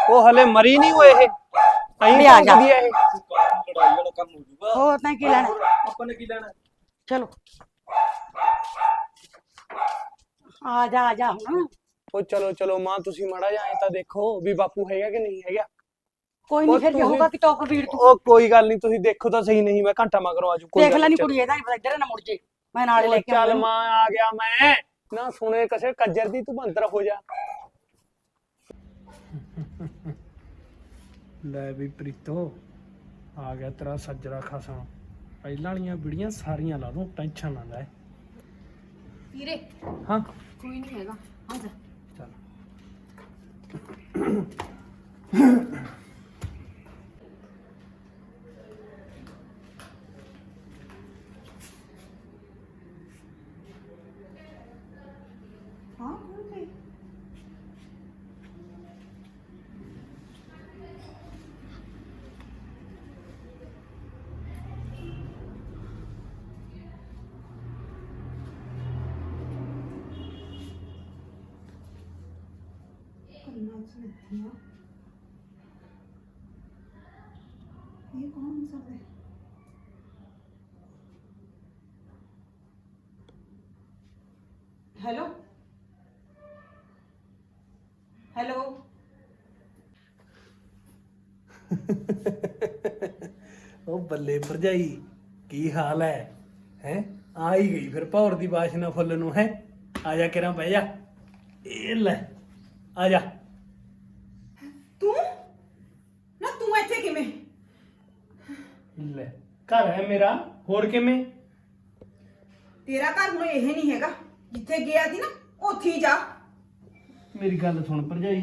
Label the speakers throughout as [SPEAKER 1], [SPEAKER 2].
[SPEAKER 1] ਉਹ ਹਲੇ ਮਰੀ ਨਹੀਂ ਹੋਏ ਇਹ
[SPEAKER 2] ਵੀ
[SPEAKER 1] ਐਂ
[SPEAKER 2] ਆ ਜਾ।
[SPEAKER 1] ਭੌਂਕਦੀ ਆ ਇਹ।
[SPEAKER 3] ਲੜਾਈ ਵਾਲਾ ਕੰਮ ਹੋ ਜੂਗਾ।
[SPEAKER 2] ਹੋਰ ਤਾਂ ਕੀ ਲੈਣਾ
[SPEAKER 3] ਆਪਾਂ ਨੇ ਕੀ ਲੈਣਾ?
[SPEAKER 2] ਚਲੋ ਆ ਜਾ ਹੁਣ
[SPEAKER 1] ਉਹ ਚਲੋ ਚਲੋ ਮਾਂ ਤੁਸੀਂ ਮਾੜਾ ਜਿਹਾ ਐਂ ਤਾਂ ਦੇਖੋ ਵੀ ਬਾਪੂ ਹੈਗਾ ਕਿ ਨਹੀਂ ਹੈਗਾ।
[SPEAKER 2] ਕੋਈ ਨਹੀਂ
[SPEAKER 1] ਉਹ
[SPEAKER 2] ਫਿਰ
[SPEAKER 1] ਤੁਸੀਂ-
[SPEAKER 2] ਹੋਊਗਾ ਕਿ ਤੋਕ ਵੀਰ ਤੂੰ
[SPEAKER 1] ਉਹ ਕੋਈ ਗੱਲ ਨਹੀਂ ਤੁਸੀਂ ਦੇਖੋ ਤਾਂ ਸਹੀ, ਨਹੀਂ ਮੈਂ ਘੰਟਾ ਮਗਰੋਂ ਆਜੂ।
[SPEAKER 2] ਦੇਖ ਲੈ ਨੀ ਕੁੜੀ ਇਹਦਾ ਨਹੀਂ ਪਤਾ ਇੱਧਰ ਨਾ ਮੁੜ ਜੇ ਮੈਂ ਨਾਲੇ ਲੈ ਕੇ
[SPEAKER 1] ਚੱਲ
[SPEAKER 2] ਆਉਂਦਾ।
[SPEAKER 1] ਮਾਂ ਆ ਗਿਆ ਮੈਂ ਨਾ ਸੁਣੇ ਕਿਸੇ ਕੱਜਰ ਦੀ, ਤੂੰ ਅੰਦਰ ਹੋ ਜਾ। ਲੈ ਵੀ ਪ੍ਰੀਤੋ ਆ ਗਿਆ ਤੇਰਾ ਸੱਜਰਾ ਖਸਮ। ਪਹਿਲਾਂ ਵਾਲੀਆਂ ਵੀਡੀਆਂ ਸਾਰੀਆਂ ਲਾ ਦੂੰ, ਟੈਨਸ਼ਨ ਨਾ ਲੈ।
[SPEAKER 4] ਵੀਰੇ
[SPEAKER 1] ਹਾਂ
[SPEAKER 4] ਕੋਈ ਨਹੀਂ ਹੈਗਾ ਆ ਜਾ।
[SPEAKER 1] ਚੱਲ
[SPEAKER 5] ये कौन सब है? हेलो हेलो
[SPEAKER 1] ਉਹ ਬੱਲੇ ਭਰਜਾਈ ਕੀ ਹਾਲ ਹੈ ਆ ਹੀ ਗਈ ਫਿਰ ਭੌਰ ਦੀ ਬਾਸ਼ਨਾ ਫੁੱਲ ਨੂੰ ਹੈ। ਆ ਜਾ ਕਿਰਾਂ ਬਹਿ ਜਾ। ਇਹ ਲੈ ਆ ਜਾ।
[SPEAKER 5] तू ना तू ਇੱਥੇ ਕਿਵੇਂ?
[SPEAKER 1] ਲੈ ਘਰ ਹੈ ਮੇਰਾ, ਹੋਰ ਕਿਵੇਂ?
[SPEAKER 5] ਤੇਰਾ ਘਰ ਹੁਣ ਇਹ ਨਹੀਂ ਹੈਗਾ, ਜਿੱਥੇ ਗਿਆ ਸੀ ਨਾ ਉੱਥੇ ਹੀ ਜਾ।
[SPEAKER 1] ਮੇਰੀ ਗੱਲ ਸੁਣ ਭਰਜਾਈ,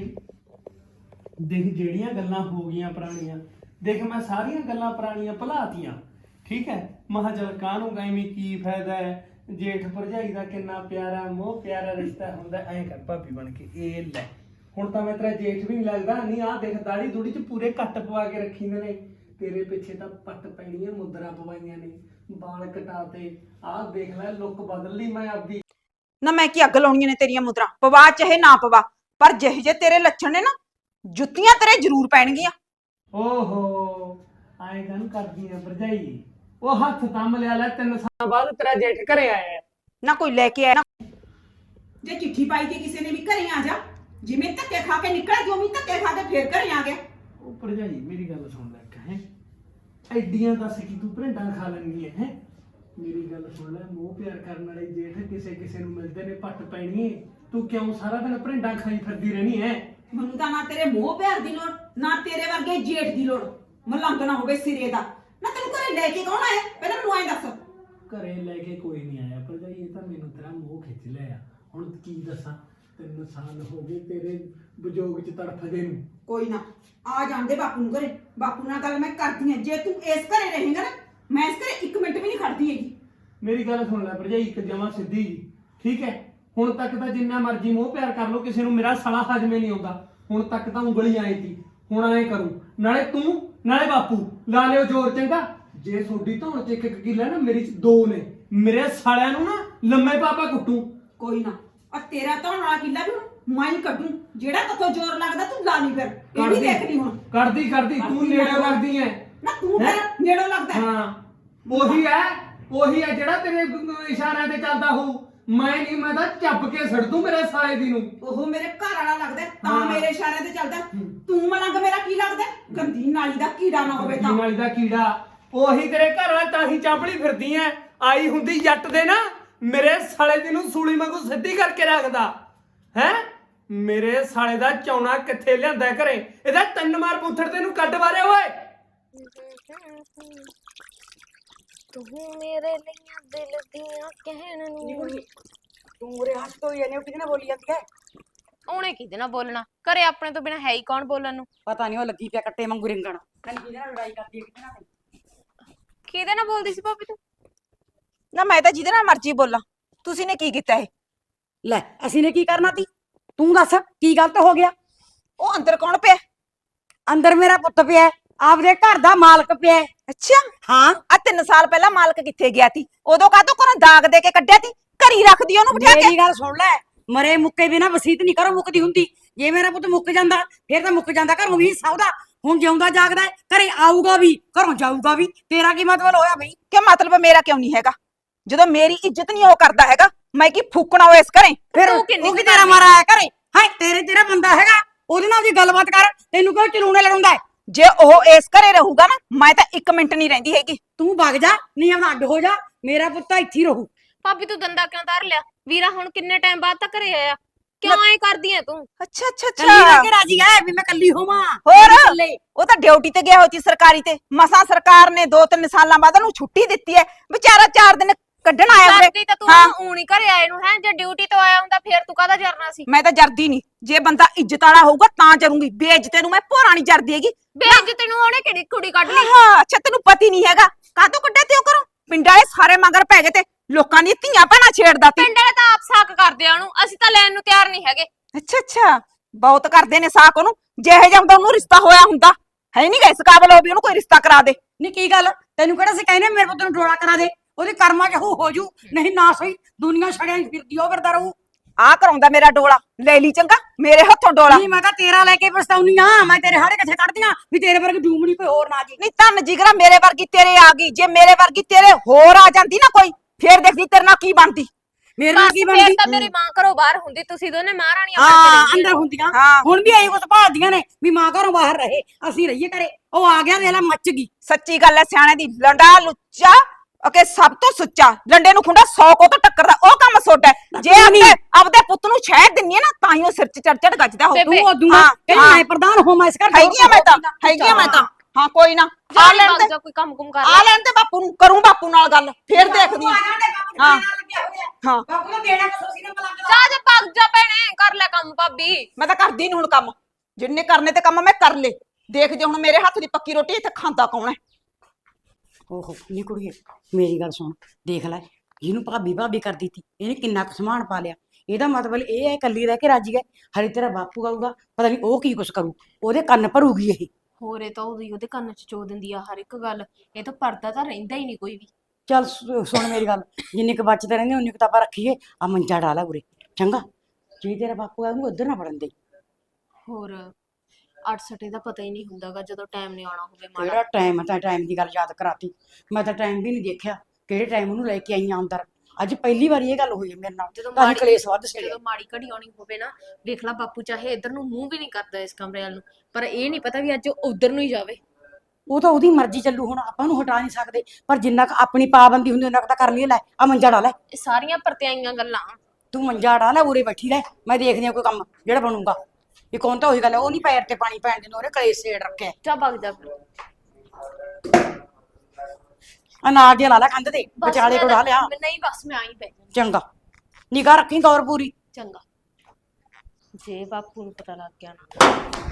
[SPEAKER 1] ਦੇਖ ਜਿਹੜੀਆਂ ਗੱਲਾਂ ਹੋ ਗਈਆਂ ਪੁਰਾਣੀਆਂ, ਦੇਖ ਮੈਂ ਸਾਰੀਆਂ ਗੱਲਾਂ ਪੁਰਾਣੀਆਂ ਭੁਲਾਤੀਆਂ, ਠੀਕ ਹੈ। ਮਹਾ ਚਲ ਕਾਹਨੂੰ ਐਵੇਂ ਕੀ ਫਾਇਦਾ ਹੈ, ਜੇਠ ਭਰਜਾਈ ਦਾ ਕਿੰਨਾ ਪਿਆਰਾ ਮੋਹ ਪਿਆਰਾ ਰਿਸ਼ਤਾ ਹੁੰਦਾ। ਐਂ ਕਰ ਭਾਬੀ ਬਣ ਕੇ, ਇਹ ਲੈ ਹੁਣ ਤਾਂ ਮੈਂ ਤੇਰਾ ਜੇਠ ਵੀ ਨਹੀਂ ਲੱਗਦਾ। ਨਹੀਂ ਆਹ ਦੇਖ ਦਾੜੀ ਦੂੜੀ ਚ ਪੂਰੇ ਕੱਟ ਪਵਾ ਕੇ ਰੱਖੀ ਨੇ, ਤੇਰੇ ਪਿੱਛੇ ਤਾਂ ਪੱਟ ਪੈਣੀਆਂ, ਮੁੰਦਰਾਂ ਪਵਾਈਆਂ ਨੇ, ਵਾਲ ਕਟਾਤੇ। ਆਹ ਦੇਖ ਲੈ ਲੁੱਕ ਬਦਲ ਲਈ ਮੈਂ ਆਪਦੀ।
[SPEAKER 5] ਨਾ ਮੈਂ ਕੀ ਅੱਗ ਲਾਉਣੀਆਂ ਨੇ ਤੇਰੀਆਂ ਮੁਦਰਾ, ਪਵਾ ਚਾਹੇ ਨਾ ਪਵਾ, ਪਰ ਜਿਹੇ ਜੇ ਤੇਰੇ ਲੱਛਣ ਨੇ ਨਾ, ਜੁੱਤੀਆਂ ਤੇਰੇ ਜ਼ਰੂਰ ਪੈਣਗੀਆਂ।
[SPEAKER 1] ਓਹੋ ਐਂ ਕਾਹਨੂੰ ਕਰਦੀ ਆ ਭਰਜਾਈ? ਉਹ ਹੱਥ ਤੰਮ ਲਿਆ ਲੈ, 3 ਸਾਲਾਂ ਬਾਅਦ ਤੇਰਾ ਜੇਠ ਘਰੇ ਆਇਆ।
[SPEAKER 5] ਨਾ ਕੋਈ ਲੈ ਕੇ ਆਇਆ ਨਾ, ਜੇ ਚਿੱਠੀ ਪਾਈ ਕਿ ਕਿਸੇ ਨੇ ਵੀ ਘਰੇ ਆ ਜਾ, ਜਿਵੇਂ ਧੱਕੇ ਖਾ ਕੇ ਨਿਕਲਿਆ ਜੋ ਵੀ ਧੱਕੇ ਖਾ ਕੇ ਫੇਰ ਘਰੇ ਆ ਗਿਆ।
[SPEAKER 1] ਉਹ ਭਰਜਾਈ ਮੇਰੀ ਗੱਲ ਸੁਣ ਲੈ ਕਹੇ, ਐਡੀਆਂ ਦੱਸ ਕੀ ਤੂੰ ਭਰਿੰਡਾਂ ਖਾ ਲੈਂਦੀ ਹੈ। ਮੇਰੀ ਗੱਲ ਸੁਣ ਲੈ, ਮੋਹ ਪਿਆਰ ਕਰਨ ਵਾਲੇ ਜੇਠ ਕਿਸੇ ਕਿਸੇ ਨੂੰ ਮਿਲਦੇ ਨੇ, ਪੱਟ ਪੈਣੀ ਏ। ਤੂੰ ਕਿਉਂ ਸਾਰਾ ਦਿਨ ਭਰਿੰਡਾਂ ਖਾਈ ਫਿਰਦੀ ਰਹਿਣੀ ਹੈ?
[SPEAKER 5] ਮੈਨੂੰ ਤਾਂ ਨਾ ਤੇਰੇ ਮੋਹ ਪਿਆਰ ਦੀ ਲੋੜ, ਨਾ ਤੇਰੇ ਵਰਗੇ ਜੇਠ ਦੀ ਲੋੜ। ਮਲੰਗ ਨਾ ਹੋਵੇ ਸਿਰੇ ਦਾ। ਨਾ ਤੈਨੂੰ ਘਰੇ ਲੈ ਕੇ ਕੌਣ ਆਇਆ, ਪਹਿਲਾਂ ਮੈਨੂੰ ਐਂ ਦੱਸ।
[SPEAKER 1] ਘਰੇ ਲੈ ਕੇ ਕੋਈ ਨਹੀਂ ਆਇਆ ਭਰਜਾਈ, ਇਹ ਤਾਂ ਮੈਨੂੰ ਤੇਰਾ ਮੋਹ ਖਿੱਚ ਲਿਆ। ਹੁਣ ਕੀ ਦੱਸਾਂ, 3 ਸਾਲ ਹੋ ਗਏ ਤੇਰੇ ਵਿਜੋਗ ਚ ਤੜਫਦੇ ਨੂੰ।
[SPEAKER 5] ਕੋਈ ਨਾ ਆ ਜਾਂਦੇ ਬਾਪੂ ਨੂੰ ਘਰੇ, ਬਾਪੂ ਨਾਲ ਗੱਲ ਮੈਂ ਕਰਦੀ ਆ। ਜੇ ਤੂੰ ਇਸ ਘਰੇ ਰਹੇਂਗਾ ਨਾ, ਮੈਂ ਇਸ ਘਰੇ 1 ਮਿੰਟ ਵੀ ਨਹੀਂ ਖੜਦੀ ਹੈਗੀ।
[SPEAKER 1] ਮੇਰੀ ਗੱਲ ਸੁਣ ਲੈ ਭਰਜਾਈ, ਇੱਕ ਜਮਾਂ ਸਿੱਧੀ ਜੀ, ਠੀਕ ਹੈ। ਹੁਣ ਤੱਕ ਤਾਂ ਜਿੰਨਾ ਮਰਜ਼ੀ ਮੋਹ ਪਿਆਰ ਕਰ ਲੋ, ਕਿਸੇ ਨੂੰ ਮੇਰਾ ਸਾਲਾ ਹਜਮੇ ਨਹੀਂ ਆਉਂਦਾ। ਹੁਣ ਤੱਕ ਤਾਂ ਉਂਗਲੀ ਆਈ ਸੀ, ਹੁਣ ਐਂ ਕਰੂ, ਨਾਲੇ ਤੂੰ ਨਾਲੇ ਬਾਪੂ ਲਾ ਲਿਓ ਜ਼ੋਰ, ਚੰਗਾ। ਜੇ ਤੁਹਾਡੀ ਧੌਣ ਚ 1 ਕਿੱਲਾ ਨਾ, ਮੇਰੀ ਚ 2 ਨੇ। ਮੇਰੇ ਸਾਲਿਆਂ ਨੂੰ ਨਾ ਲੰਮੇ ਪਾਪਾ ਕੁੱਟੂ।
[SPEAKER 5] ਕੋਈ ਨਾ, ਆ ਤੇਰਾ ਧੌਣ ਵਾਲਾ ਕਿੱਲਾ ਵੀ ਹੁਣ ਮੈਂ ਹੀ ਕੱਢੂ। ਜਿਹੜਾ ਤੱਥੋਂ ਜ਼ੋਰ ਲੱਗਦਾ ਤੂੰ ਲਾ ਲਈ, ਫਿਰ ਇਹ ਵੀ ਦੇਖ ਲਈ ਹੁਣ।
[SPEAKER 1] ਕਰਦੀ ਤੂੰ ਨੇੜੇ ਲੱਗਦੀ ਐ
[SPEAKER 5] ਨਾ ਤੂੰ ਫਿਰ ਨੇੜੋਂ ਲੱਗਦਾ।
[SPEAKER 1] ਹਾਂ ਉਹੀ ਹੈ ਜਿਹੜਾ ਤੇਰੇ ਇਸ਼ਾਰਿਆਂ ਤੇ ਚੱਲਦਾ ਹੋਊ। ਮੈਂ ਨਹੀਂ, ਮੈਂ ਤਾਂ ਚੱਪ ਕੇ ਛੱਡ ਦੂੰ ਮੇਰੇ ਸਾਲੇ ਦੀ ਨੂੰ।
[SPEAKER 5] ਉਹ ਮੇਰੇ ਘਰ ਵਾਲਾ ਲੱਗਦਾ ਤਾਂ ਮੇਰੇ ਇਸ਼ਾਰਿਆਂ ਤੇ ਚੱਲਦਾ। ਤੂੰ ਮਲੰਗ ਮੇਰਾ ਕੀ ਲੱਗਦਾ? ਗੰਦੀ ਨਾਲੀ ਦਾ ਕੀੜਾ ਨਾ ਹੋਵੇ ਤਾਂ।
[SPEAKER 1] ਨਾਲੀ ਦਾ ਕੀੜਾ ਉਹੀ ਤੇਰੇ ਘਰ ਵਾਲਾ, ਤਾਂ ਹੀ ਚਾਂਪੜੀ ਫਿਰਦੀ ਐ। ਆਈ ਹੁੰਦੀ ਜੱਟ ਦੇ ਨਾ, ਮੇਰੇ ਸਾਲੇ ਦੀ ਨੂੰ ਸੂਲੀ ਵਾਂਗੂ ਸਿੱਧੀ ਕਰਕੇ ਰੱਖਦਾ ਹੈ। ਮੇਰੇ ਸਾਲੇ ਦਾ ਚੌਣਾ ਕਿੱਥੇ ਲਿਆਂਦਾ ਘਰੇ? ਇਹਦਾ 3 ਮਾਰ ਪੁੱਥੜ ਤੈਨੂੰ ਕੱਢ ਵਾਰੇ ਓਏ।
[SPEAKER 4] ਤੂੰ ਮੇਰੇ ਲਈ ਦਿਲ ਦੀਆਂ ਕਹਿਣ ਨੂੰ।
[SPEAKER 2] ਤੂੰ ਉਰੇ ਹੱਥ ਤੋਂ ਇਹਨੇ ਕਿਹਦੇ ਨਾਲ ਬੋਲੀ ਜਾਂਦੀ ਹੈ?
[SPEAKER 4] ਉਹਨੇ ਕਿਹਦੇ ਨਾਲ ਬੋਲਣਾ? ਘਰੇ ਆਪਣੇ ਤੋਂ ਬਿਨਾ ਹੈ ਹੀ ਕੌਣ ਬੋਲਣ ਨੂੰ?
[SPEAKER 2] ਪਤਾ ਨਹੀਂ ਉਹ ਲੱਗੀ ਪਿਆ ਕੱਟੇ ਵਾਂਗੂ ਰਿੰਗਣ। ਤੈਨੂੰ ਕਿਹਦੇ ਨਾਲ ਲੜਾਈ ਕਰਦੀ ਹੈ, ਕਿਹਦੇ ਨਾਲ ਨਹੀਂ?
[SPEAKER 4] ਕਿਹਦੇ ਨਾਲ ਬੋਲਦੀ ਸੀ ਭਾਬੀ ਤੂੰ?
[SPEAKER 5] ਨਾ ਮੈਂ ਤਾਂ ਜਿਹਦੇ ਨਾਲ ਮਰਜ਼ੀ ਬੋਲਾਂ, ਤੁਸੀਂ ਨੇ ਕੀ ਕੀਤਾ ਇਹ?
[SPEAKER 2] ਲੈ ਅਸੀਂ ਨੇ ਕੀ ਕਰਨਾ ਤੀ? ਤੂੰ ਦੱਸ ਕੀ ਗਲਤ ਹੋ ਗਿਆ?
[SPEAKER 5] ਉਹ ਅੰਦਰ ਕੌਣ ਪਿਆ?
[SPEAKER 2] ਅੰਦਰ ਮੇਰਾ ਪੁੱਤ ਪਿਆ, ਆਪਦੇ ਘਰ ਦਾ ਮਾਲਕ ਪਿਆ।
[SPEAKER 5] ਅੱਛਾ,
[SPEAKER 2] ਹਾਂ।
[SPEAKER 5] ਆ 3 ਸਾਲ ਪਹਿਲਾਂ ਮਾਲਕ ਕਿੱਥੇ ਗਿਆ ਸੀ? ਉਦੋਂ ਕਾਹਤੋਂ ਘਰੋਂ ਦਾਗ ਦੇ ਕੇ ਕੱਢਿਆ ਸੀ? ਘਰੀ ਰੱਖਦੀ ਉਹਨੂੰ ਬਿਠਾ ਕੇ।
[SPEAKER 2] ਮੇਰੀ ਗੱਲ ਸੁਣ ਲੈ, ਮਰੇ ਮੁੱਕੇ ਬਿਨਾ ਵਸੀਤ ਨਹੀਂ ਕਰੋ ਮੁੱਕਦੀ ਹੁੰਦੀ। ਜੇ ਮੇਰਾ ਪੁੱਤ ਮੁੱਕ ਜਾਂਦਾ ਫਿਰ ਤਾਂ ਮੁੱਕ ਜਾਂਦਾ ਘਰੋਂ ਵੀ ਹਿੱਸਾ ਉਹਦਾ। ਹੁਣ ਜਿਉਂਦਾ ਜਾਗਦਾ ਹੈ, ਘਰੇ ਆਊਗਾ ਵੀ ਘਰੋਂ ਜਾਊਗਾ ਵੀ। ਤੇਰਾ ਕੀ ਮਤਲਬ ਹੋਇਆ ਬਈ?
[SPEAKER 5] ਕਿ ਮਤਲਬ ਮੇਰਾ ਕਿਉਂ ਨਹੀਂ ਹੈਗਾ? ਜਦੋਂ ਮੇਰੀ ਇੱਜ਼ਤ ਨਹੀਂ ਉਹ ਕਰਦਾ ਹੈਗਾ, ਮੈਂ ਕੀ ਫੂਕਣਾ ਹੋਏ ਇਸ ਘਰੇ?
[SPEAKER 2] ਫਿਰ
[SPEAKER 4] ਤੂੰ ਕਿੰਨੀ
[SPEAKER 2] ਉਹ ਕੀ ਤੇਰਾ ਮਾਰਾ ਆਇਆ ਘਰੇ? ਹਾਂ ਤੇਰਾ ਬੰਦਾ ਹੈਗਾ, ਉਹਦੇ ਨਾਲ ਦੀ ਗੱਲਬਾਤ ਕਰ। ਤੈਨੂੰ ਕਿਉਂ ਚਲੂਣੇ ਲੜਾਉਂਦਾ ਹੈ?
[SPEAKER 5] ਜੇ ਉਹ ਇਸ ਘਰੇ ਰਹੂਗਾ ਨਾ, ਮੈਂ ਤਾਂ 1 ਮਿੰਟ ਨਹੀਂ ਰਹਿੰਦੀ ਹੈਗੀ।
[SPEAKER 2] ਤੂੰ ਵਗ ਜਾ, ਨਹੀਂ ਆਪਣਾ ਅੱਡ ਹੋ ਜਾ। ਮੇਰਾ ਪੁੱਤ ਤਾਂ ਇੱਥੇ ਹੀ ਰਹੂ।
[SPEAKER 4] ਭਾਬੀ ਤੂੰ ਦੰਦਾ ਕਿਉਂ ਧਰ ਲਿਆ? ਵੀਰਾ ਹੁਣ ਕਿੰਨੇ ਟਾਈਮ ਬਾਅਦ ਤਾਂ ਘਰੇ ਆਇਆ, ਕਿਉਂ ਐ ਕਰਦੀ ਐ ਤੂੰ?
[SPEAKER 5] ਅੱਛਾ ਅੱਛਾ
[SPEAKER 2] ਕੱਲੀ ਰਹਿ
[SPEAKER 5] ਅੱਛਾ।
[SPEAKER 2] ਕੇ ਰਾਜੀ ਹੈ ਵੀ ਮੈਂ ਕੱਲੀ ਹੋਵਾਂ?
[SPEAKER 5] ਹੋਰ?
[SPEAKER 2] ਮੇਰੇ ਇਕੱਲੇ।
[SPEAKER 5] ਉਹ ਤਾਂ ਡਿਊਟੀ ਤੇ ਗਿਆ ਹੋਈ ਸੀ ਸਰਕਾਰੀ ਤੇ। ਮਸਾਂ ਸਰਕਾਰ ਨੇ 2-3 ਸਾਲਾਂ ਬਾਅਦ ਉਹਨੂੰ ਛੁੱਟੀ ਦਿੱਤੀ ਹੈ। ਵਿਚਾਰਾ 4 ਦਿਨ ਕੱਢਣ ਆਇਆ ਉਰੇ।
[SPEAKER 4] ਕਰਦੀ ਤਾਂ ਤੂੰ
[SPEAKER 5] ਹਾਂ।
[SPEAKER 4] ਊਂ ਨੀ ਘਰੇ ਆਏ ਨੂੰ ਹੈ, ਜੇ ਡਿਊਟੀ ਤੋਂ ਆਇਆ ਹੁੰਦਾ ਫੇਰ ਤੂੰ ਕਾਹਦਾ ਜਰਨਾ ਸੀ?
[SPEAKER 5] ਮੈਂ ਤਾਂ ਜਰਦੀ ਨਹੀਂ। ਜੇ ਬੰਦਾ ਇੱਜ਼ਤ ਵਾਲਾ ਹੋਊਗਾ ਤਾਂ ਜਰੂੰਗੀ। ਬੇਇੱਜ਼ਤੇ ਨੂੰ ਮੈਂ ਭੋਰਾ ਨਹੀਂ ਜਰਦੀ ਹੈਗੀ।
[SPEAKER 4] ਬੇਇੱਜ਼ਤੀ ਨੂੰ ਉਹਨੇ ਕਿਹੜੀ ਕੁੜੀ ਕੱਢ ਲਈ?
[SPEAKER 5] ਹਾਂ ਅੱਛਾ, ਤੈਨੂੰ ਪਤੀ ਨਹੀਂ ਹੈਗਾ ਕਾਹਤੋਂ ਕੱਢਿਆ ਤੇ ਉਹ ਕਰੋ? ਪਿੰਡਾਂ ਵਾਲੇ ਸਾਰੇ ਮਗਰ ਪੈ ਗਏ ਤੇ ਲੋਕਾਂ ਦੀਆਂ ਧੀਆਂ ਭੈਣਾਂ ਛੇੜਦਾ ਤੀ।
[SPEAKER 4] ਪਿੰਡ ਵਾਲੇ ਤਾਂ ਆਪ ਸਾਕ ਕਰਦੇ ਆ ਉਹਨੂੰ, ਅਸੀਂ ਤਾਂ ਲੈਣ ਨੂੰ ਤਿਆਰ ਨਹੀਂ ਹੈਗੇ।
[SPEAKER 5] ਅੱਛਾ ਅੱਛਾ, ਬਹੁਤ ਕਰਦੇ ਨੇ ਸਾਕ ਉਹਨੂੰ। ਜਿਹੇ ਜਿਹਾ ਹੁੰਦਾ ਉਹਨੂੰ ਰਿਸ਼ਤਾ ਹੋਇਆ ਹੁੰਦਾ ਹੈ ਨਹੀਂ ਗਾ ਇਸ ਕਾਬਲ ਹੋ ਵੀ ਉਹਨੂੰ ਕੋਈ ਰਿਸ਼ਤਾ ਕਰਾ ਦੇ।
[SPEAKER 2] ਨਹੀਂ ਕੀ ਗੱਲ, ਤੈਨੂੰ ਕਿਹੜਾ ਸੀ ਕਹਿੰਦੇ ਮੇਰੇ ਪੁੱਤ ਨੂੰ ਡੋਲਾ ਕਰਾ ਦੇ? ਉਹਦੇ ਕਰਮਾਂ 'ਚ ਹੋ ਜੂ, ਨਹੀਂ ਨਾ ਸਹੀ ਦੁਨੀਆ ਛੜਿਆਂ 'ਚ ਫਿਰਦੀ ਉਹ ਫਿਰਦਾ ਰਹੂ।
[SPEAKER 5] ਆ ਕਰਾਉਂਦਾ ਮੇਰਾ ਡੋਲਾ। ਲੈ ਲਈ ਚੰਗਾ ਮੇਰੇ ਹੱਥੋਂ ਡੋਲਾ।
[SPEAKER 2] ਨਹੀਂ ਮੈਂ ਤਾਂ ਤੇਰਾ ਲੈ ਕੇ ਪਛਤਾਉਣੀ ਆ। ਮੈਂ ਤੇਰੇ ਹਾੜੇ ਕਿੱਥੇ ਕੱਢਦੀਆਂ ਵੀ ਤੇਰੇ ਵਰਗੀ ਡੂਮਣੀ ਕੋਈ ਹੋਰ ਨਾ ਜੀ।
[SPEAKER 5] ਨਹੀਂ ਧੰਨ ਜਿਗਰਾ ਮੇਰੇ ਵਰਗੀ ਤੇਰੇ ਆ ਗਈ। ਜੇ ਮੇਰੇ ਵਰਗੀ ਤੇਰੇ ਹੋਰ ਆ ਜਾਂਦੀ ਨਾ ਕੋਈ, ਫੇਰ ਦੇਖਦੀ ਤੇਰੇ ਨਾਲ ਕੀ ਬਣਦੀ।
[SPEAKER 2] ਮੇਰੇ ਨਾਲ ਕੀ
[SPEAKER 4] ਫੇਰ
[SPEAKER 2] ਬਣਦੀ?
[SPEAKER 4] ਤਾਂ ਮੇਰੀ ਮਾਂ ਘਰੋਂ ਬਾਹਰ ਹੁੰਦੀ, ਤੁਸੀਂ ਦੋਨੇ ਮਹਾਰਾਣੀਆਂ ਬਣ
[SPEAKER 2] ਹਾਂ
[SPEAKER 4] ਕੇ ਰਹਿੰਦੀਆਂ।
[SPEAKER 2] ਅੰਦਰ ਹੁੰਦੀਆਂ।
[SPEAKER 5] ਹਾਂ।
[SPEAKER 2] ਹੁਣ ਵੀ ਐਂ ਕੁਛ ਭਾਲਦੀਆਂ ਨੇ ਵੀ ਮਾਂ ਘਰੋਂ ਬਾਹਰ ਰਹੇ, ਅਸੀਂ ਰਹੀਏ ਘਰੇ। ਉਹ ਆ ਗਿਆ ਵੇਲਾ ਮੱਚ ਗਈ।
[SPEAKER 5] ਸੱਚੀ ਗੱਲ ਹੈ ਸਿਆਣੇ ਦੀ। ਲੰਡਾ ਲੁੱਚਾ ਓਕੇ ਸਭ ਤੋਂ ਸੁੱਚਾ। ਡੰਡੇ ਨੂੰ ਖੁੰਡਾ 100 ਕੋ ਤੋਂ ਟੱਕਰਦਾ ਉਹ ਕੰਮ ਸੋਡਾ ਹੈ। ਜੇ ਆਪਦੇ ਪੁੱਤ ਨੂੰ ਸ਼ਹਿਦ ਦਿੰਨੀ ਹੈ ਨਾ ਤਾਂ ਹੀ ਉਹ ਸਿਰ 'ਚ ਚੜ ਗੱਜਦਾ ਹੋ।
[SPEAKER 2] ਤੂੰ ਉਦੋਂ ਕਹਿੰਦੀ ਮੈਂ ਪ੍ਰਧਾਨ ਹੋਵਾਂ ਇਸ ਘਰ ਦਾ।
[SPEAKER 5] ਹੈਗੀ ਆ ਮੈਂ ਤਾਂ, ਹੈਗੀ ਆ ਮੈਂ ਤਾਂ। ਹਾਂ ਕੋਈ ਨਾ ਆ
[SPEAKER 4] ਜਾ
[SPEAKER 5] ਲੈਣ ਤੇ,
[SPEAKER 4] ਜਾ ਕੋਈ ਕੰਮ ਕੁਮ ਕਰ
[SPEAKER 5] ਆ ਲੈਣ ਤੇ ਬਾਪੂ ਨੂੰ। ਕਰੂੰ ਬਾਪੂ ਨਾਲ ਗੱਲ ਫੇਰ ਦੇਖਦੀ ਹਾਂ। ਹਾਂ। ਹਾਂ
[SPEAKER 2] ਬਾਪੂ ਨੂੰ ਦੇਣਾ ਕੁਛ ਸੀ ਨਾ ਮਲੰਗ ਦਾ।
[SPEAKER 4] ਜਾ ਜਾ ਭੱਗ ਜਾ ਭੈਣੇ, ਕਰ ਲੈ ਕੰਮ ਭਾਬੀ।
[SPEAKER 5] ਮੈਂ ਤਾਂ ਕਰਦੀ ਨੀ ਹੁਣ ਕੰਮ। ਜਿੰਨੇ ਕਰਨੇ ਤੇ ਕੰਮ ਮੈਂ ਕਰ ਲੇ। ਦੇਖ ਜੇ ਹੁਣ ਮੇਰੇ ਹੱਥ ਦੀ ਪੱਕੀ ਰੋਟੀ ਇੱਥੇ ਖਾਂਦਾ ਕੌਣ ਹੈ?
[SPEAKER 2] ਓਹੋ ਨੀ ਕੁੜੀਏ, ਮੇਰੀ ਗੱਲ ਸੁਣ। ਦੇਖ ਲੈ ਇਹਨੂੰ ਭਾਬੀ ਭਾਬੀ ਕਰ ਦਿੱਤੀ, ਇਹਨੇ ਕਿੰਨਾ ਕੁ ਸਮਾਨ ਪਾ ਲਿਆ। ਇਹਦਾ ਮਤਲਬ ਇਹ ਹੈ ਇਕੱਲੀ ਰਹਿ ਕੇ ਰਾਜੀ ਹੈ। ਹਰੇ ਤੇਰਾ ਬਾਪੂ ਆਊਗਾ, ਪਤਾ ਨਹੀਂ ਉਹ ਕੀ ਕੁਛ ਕਰੂ। ਉਹਦੇ ਕੰਨ ਭਰੂਗੀ ਇਹ।
[SPEAKER 4] ਹੋਰ ਇਹ ਤਾਂ ਉਹਦੇ ਕੰਨ 'ਚ ਚੋ ਦਿੰਦੀ ਆ ਹਰ ਇੱਕ ਗੱਲ। ਇਹ ਤਾਂ ਪਰਦਾ ਤਾਂ ਰਹਿੰਦਾ ਹੀ ਨਹੀਂ ਕੋਈ ਵੀ।
[SPEAKER 2] ਚੱਲ ਸੁਣ ਮੇਰੀ ਗੱਲ, ਜਿੰਨੇ ਕੁ ਬਚਦੇ ਰਹਿੰਦੇ ਉਨੀ ਕੁ ਤਾਂ ਆਪਾਂ ਰੱਖੀਏ। ਆ ਮੰਜਾ ਡਾਲਾ ਉਰੇ ਚੰਗਾ। ਜੇ ਤੇਰਾ ਬਾਪੂ ਆ ਉਹਨੂੰ ਉੱਧਰ ਨਾ ਵੜਨ ਦੇ।
[SPEAKER 4] ਹੋਰ 8 ਦਾ ਪਤਾ ਹੀ ਨਹੀਂ ਹੁੰਦਾਗਾ ਜਦੋਂ ਟਾਈਮ ਨਹੀਂ ਆਉਣਾ ਹੋਵੇ ਮਾੜਾ।
[SPEAKER 2] ਕਿਹੜਾ ਟਾਈਮ ਤਾਂ ਟਾਈਮ ਦੀ ਗੱਲ ਯਾਦ ਕਰਾਤੀ। ਮੈਂ ਤਾਂ ਟਾਈਮ ਵੀ ਨਹੀਂ ਦੇਖਿਆ ਕਿਹੜੇ ਟਾਈਮ ਉਹਨੂੰ ਲੈ ਕੇ ਆਈ ਆਂ ਅੰਦਰ। ਅੱਜ ਪਹਿਲੀ ਵਾਰੀ ਇਹ ਗੱਲ ਹੋਈ ਹੈ ਮੇਰੇ ਨਾਲ।
[SPEAKER 4] ਜਦੋਂ
[SPEAKER 2] ਤਾਂ ਅਸੀਂ ਕਲੇਸ਼ ਵੱਧ ਛੜਿਆ।
[SPEAKER 4] ਜਦੋਂ ਮਾੜੀ ਘੜੀ ਆਉਣੀ ਹੋਵੇ ਨਾ, ਵੇਖ ਲਾ ਬਾਪੂ ਚਾਹੇ ਇੱਧਰ ਨੂੰ ਮੂੰਹ ਵੀ ਨਹੀਂ ਕਰਦਾ ਇਸ ਕਮਰੇ ਵੱਲ ਨੂੰ, ਪਰ ਇਹ ਨਹੀਂ ਪਤਾ ਵੀ ਅੱਜ ਉਹ ਉੱਧਰ ਨੂੰ ਹੀ ਜਾਵੇ।
[SPEAKER 2] ਉਹ ਤਾਂ ਉਹਦੀ ਮਰਜ਼ੀ ਚੱਲੂ, ਹੁਣ ਆਪਾਂ ਨੂੰ ਹਟਾ ਨਹੀਂ ਸਕਦੇ। ਪਰ ਜਿੰਨਾ ਕੁ ਆਪਣੀ ਪਾਬੰਦੀ ਹੁੰਦੀ ਉਹਨਾਂ ਕੁ ਤਾਂ ਕਰ ਲਈਏ। ਲੈ ਆ ਮੰਜਾ ਡਾ ਲੈ।
[SPEAKER 4] ਇਹ ਸਾਰੀਆਂ ਪਰਤਿਆਈਆਂ ਗੱਲਾਂ।
[SPEAKER 2] ਤੂੰ ਮੰਜਾ ਡਾ ਲੈ, ਉਰੇ ਬੈਠੀ ਰਹਿ। ਮੈਂ ਦੇਖਦੀ ਆ ਕੋਈ ਕੰਮ ਜਿਹੜਾ ਬਣੂਗਾ। ਇਹ ਕੌਣ ਤਾਂ ਉਹੀ ਗੱਲ ਹੈ, ਉਹ ਨਹੀਂ ਪੈਰ ਤੇ ਪਾਣੀ ਪੈਣ ਦੇ, ਉਹਨੇ ਕਲੇਸ਼ ਛੇੜ ਰੱਖਿਆ।
[SPEAKER 4] ਜਾ ਭੱਗ ਜਾ ਫਿਰ।
[SPEAKER 2] ਅਨਾਜ ਜਿਹਾ ਲਾ ਲੈ ਕੰਧ ਤੇ,
[SPEAKER 4] ਬਸ
[SPEAKER 2] ਵਿਚਾਲੇ ਕੋ
[SPEAKER 4] ਮੈਂ
[SPEAKER 2] ਡਾ ਲਿਆ।
[SPEAKER 4] ਨਹੀਂ ਬਸ ਮੈਂ ਆਈ ਪੈ ਜਾਣਾ।
[SPEAKER 2] ਚੰਗਾ ਨਿਗਾਹ ਰੱਖੀ ਗੌਰ ਪੂਰੀ।
[SPEAKER 4] ਚੰਗਾ, ਜੇ ਬਾਪੂ ਨੂੰ ਪਤਾ ਲੱਗ ਗਿਆ ਨਾ।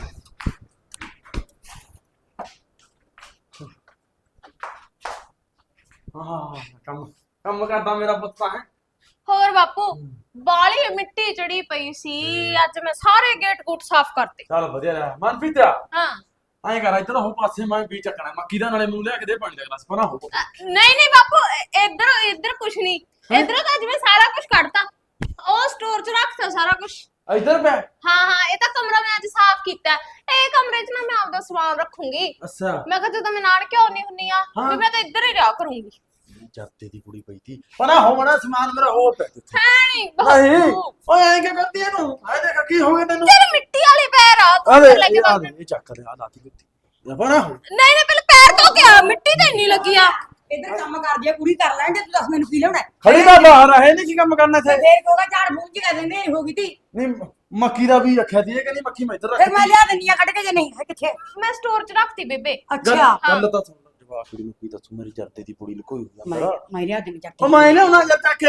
[SPEAKER 3] ਹਾਂ ਕੰਮ ਕਰਦਾ ਮੇਰਾ ਪੁੱਤ ਹੈ।
[SPEAKER 4] ਹੋਰ ਬਾਪੂ, ਬਾਲੀ ਮਿੱਟੀ ਚੜੀ ਪਈ ਸੀ, ਅੱਜ ਮੈਂ ਸਾਰੇ ਗੇਟ ਗੂਟ ਸਾਫ਼ ਕਰਤੇ।
[SPEAKER 3] ਚੱਲ ਵਧੀਆ ਰਿਹਾ ਮਨਪ੍ਰੀਤ ਆ।
[SPEAKER 4] ਹਾਂ
[SPEAKER 3] ਐਂ ਕਰ ਇੱਧਰ ਹੋ ਪਾਸੇ ਮੈਂ ਵੀ ਚੱਕਣਾ ਮੱਕੀ ਦਾ, ਨਾਲੇ ਮੂੰਹ ਲਿਆ ਕੇ ਦੇ ਪਾਣੀ ਦਾ ਗਲਾਸ ਪਨਾ ਹੋ।
[SPEAKER 4] ਨਹੀਂ ਨਹੀਂ ਬਾਪੂ, ਇੱਧਰ ਕੁਛ ਨਹੀਂ। ਇੱਧਰੋਂ ਤਾਂ ਅੱਜ ਮੈਂ ਸਾਰਾ ਕੁਝ ਕੱਢਤਾ, ਉਹ ਸਟੋਰ 'ਚ ਰੱਖਤਾ ਸਾਰਾ ਕੁਝ।
[SPEAKER 3] ਇੱਧਰ ਪੈ।
[SPEAKER 4] ਹਾਂ ਇਹ ਤਾਂ ਕਮਰਾ ਮੈਂ ਅੱਜ ਸਾਫ਼ ਕੀਤਾ। ਇਹ ਕਮਰੇ 'ਚ ਨਾ ਮੈਂ ਆਪਦਾ ਸਮਾਨ ਰੱਖੂੰਗੀ।
[SPEAKER 3] ਅੱਛਾ
[SPEAKER 4] ਮੈਂ ਕਿਹਾ ਜਦੋਂ ਮੈਂ ਨਾਨਕੇ ਆਉਣੀ ਹੁੰਨੀ ਆ ਵੀ ਮੈਂ ਤਾਂ ਇੱਧਰ ਹੀ ਰਿਹਾ ਕਰੂੰਗੀ।
[SPEAKER 3] ਜੱਤੇ ਦੀ ਕੁੜੀ ਪਈ ਸੀ ਪਨਾ ਹੋ ਬਣਾ ਸਮਾਨ ਮੇਰਾ ਹੋ ਪਿਆ ਕਿੱਥੇ।
[SPEAKER 4] ਨਹੀਂ
[SPEAKER 3] ਨਹੀਂ
[SPEAKER 4] ਬਾਪੂ,
[SPEAKER 3] ਓਏ ਐਂ ਕਿ ਕਰਦੀ ਇਹਨੂੰ ਐ ਦੇਖ ਕੀ ਹੋ ਗਿਆ ਤੈਨੂੰ।
[SPEAKER 4] ਤੇਰੇ ਮਿੱਟੀ ਵਾਲੇ ਪੈਰ ਆ, ਤੂੰ
[SPEAKER 3] ਅਰੇ
[SPEAKER 4] ਉੱਧਰ ਲੈ ਕੇ
[SPEAKER 3] ਆ
[SPEAKER 4] ਵਗ।
[SPEAKER 3] ਦੇ ਇਹ ਚੱਕ ਦੇ ਆ ਲਾਤੀ ਕੁੱਤੀ ਇਹ ਪਨਾ ਹੋ।
[SPEAKER 4] ਨਹੀਂ ਪਹਿਲੇ ਪੈਰ ਧੋ ਕੇ ਆ, ਮਿੱਟੀ ਤੇ ਇੰਨੀ ਲੱਗੀ ਆ।
[SPEAKER 2] ਇੱਧਰ ਕੰਮ ਕਰਦੀ ਆ ਕੁੜੀ, ਕਰ ਲੈਣ ਦੇ। ਤੂੰ ਦੱਸ ਮੈਨੂੰ ਕੀ ਲੈਣਾ?
[SPEAKER 3] ਖੜੀ ਦਾ ਬਾਹਰ ਹੈ ਨਹੀਂ ਕੀ ਕੰਮ ਕਰਨਾ ਇੱਥੇ।
[SPEAKER 2] ਫੇਰ ਕੋਗਾ ਝਾੜ ਮੂੰਹ ਚ ਕਹਿੰਦੇ ਮੇਰੀ ਹੋ ਗਈ ਤੀ।
[SPEAKER 3] ਨਹੀਂ ਮੱਕੀ ਦਾ ਵੀ ਰੱਖਿਆ ਸੀ ਇਹ ਕਹਿੰਦੀ ਮੱਕੀ ਮੈਂ ਇੱਧਰ
[SPEAKER 2] ਫਿਰ ਮੈਂ
[SPEAKER 3] ਰੱਖੀ।
[SPEAKER 2] ਲਿਆ ਦਿੰਨੀ ਆ ਕੱਢ ਕੇ, ਜੇ ਨਹੀਂ ਹੈ ਕਿੱਥੇ?
[SPEAKER 4] ਮੈਂ ਸਟੋਰ 'ਚ ਰੱਖਤੀ ਬੇਬੇ।
[SPEAKER 2] ਅੱਛਾ
[SPEAKER 3] ਗੱਲ ਤਾਂ ਸੁਣ ਜਵਾਬ ਕੁੜੀ ਨੂੰ ਕੀ ਦੱਸੂ ਮੇਰੀ ਜਰਦੇ ਦੀ ਕੁੜੀ ਨੂੰ ਕੋਈ
[SPEAKER 2] ਮੈਂ
[SPEAKER 3] ਹੁੰਦਾ।
[SPEAKER 2] ਮੈਂ ਲਿਆ ਦਿੰਨੀ ਚੱਕ
[SPEAKER 3] ਉਹ ਮੈਂ ਲਿਆਉਣਾ ਜਦ ਤੱਕ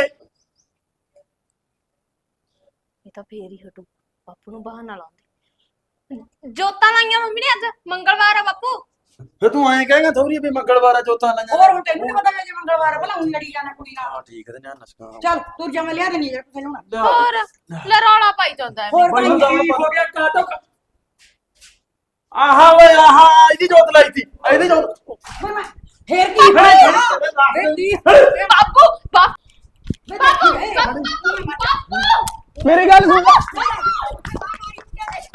[SPEAKER 4] ਇਹ ਤਾਂ ਫੇਰ ਹੀ ਹਟੂ, ਬਾਪੂ ਨੂੰ ਬਹਾਨਾ ਲਾਉਂਦੇ। ਜੋਤਾਂ ਲਾਈਆਂ ਮੰਮੀ ਨੇ ਅੱਜ, ਮੰਗਲਵਾਰ ਆ ਬਾਪੂ।
[SPEAKER 3] ਫੇ ਤੂੰ ਐਂ ਕਹੇਗਾ ਥੋੜੀ ਵੀ ਮੰਗਲਵਾਰ ਆ ਚੌਥਾ ਲਾਈਆਂ।
[SPEAKER 2] ਹੋਰ ਹੁਣ ਤੈਨੂੰ ਨੀ ਪਤਾ ਜੇ ਮੰਗਲਵਾਰ ਭਲਾ ਊਂ ਲੜੀ ਜਾਣਾ ਕੁੜੀ ਨਾਲ।
[SPEAKER 3] ਹਾਂ ਠੀਕ ਹੈ ਤੇ ਨਾ ਨਸਕਾ
[SPEAKER 2] ਚੱਲ ਤੁਰ ਜਾ, ਮੈਂ ਲਿਆ ਦਿੰਨੀ ਆ ਕੁਛ ਲੈਣਾ।
[SPEAKER 4] ਹੋਰ ਲੈ ਰੌਲਾ ਪਾਈ ਜਾਂਦਾ
[SPEAKER 2] ਹੋਰ
[SPEAKER 3] ਭਾਈ
[SPEAKER 2] ਭਾਈ
[SPEAKER 3] ਕੀ ਹੋ ਗਿਆ ਕਾਟੋ ਆਹਾ ਓਏ ਆਹਾ ਇਹਦੀ ਜੋਤ ਲਾਈ ਸੀ ਇਹਦੀ ਜੋਤ।
[SPEAKER 2] ਫੇਰ ਕੀ ਹੋਇਆ? ਫੇਰ ਕੀ?
[SPEAKER 4] ਬਾਪੂ
[SPEAKER 2] ਬਾਪੂ
[SPEAKER 3] ਮੇਰੀ ਗੱਲ ਸੁਣ।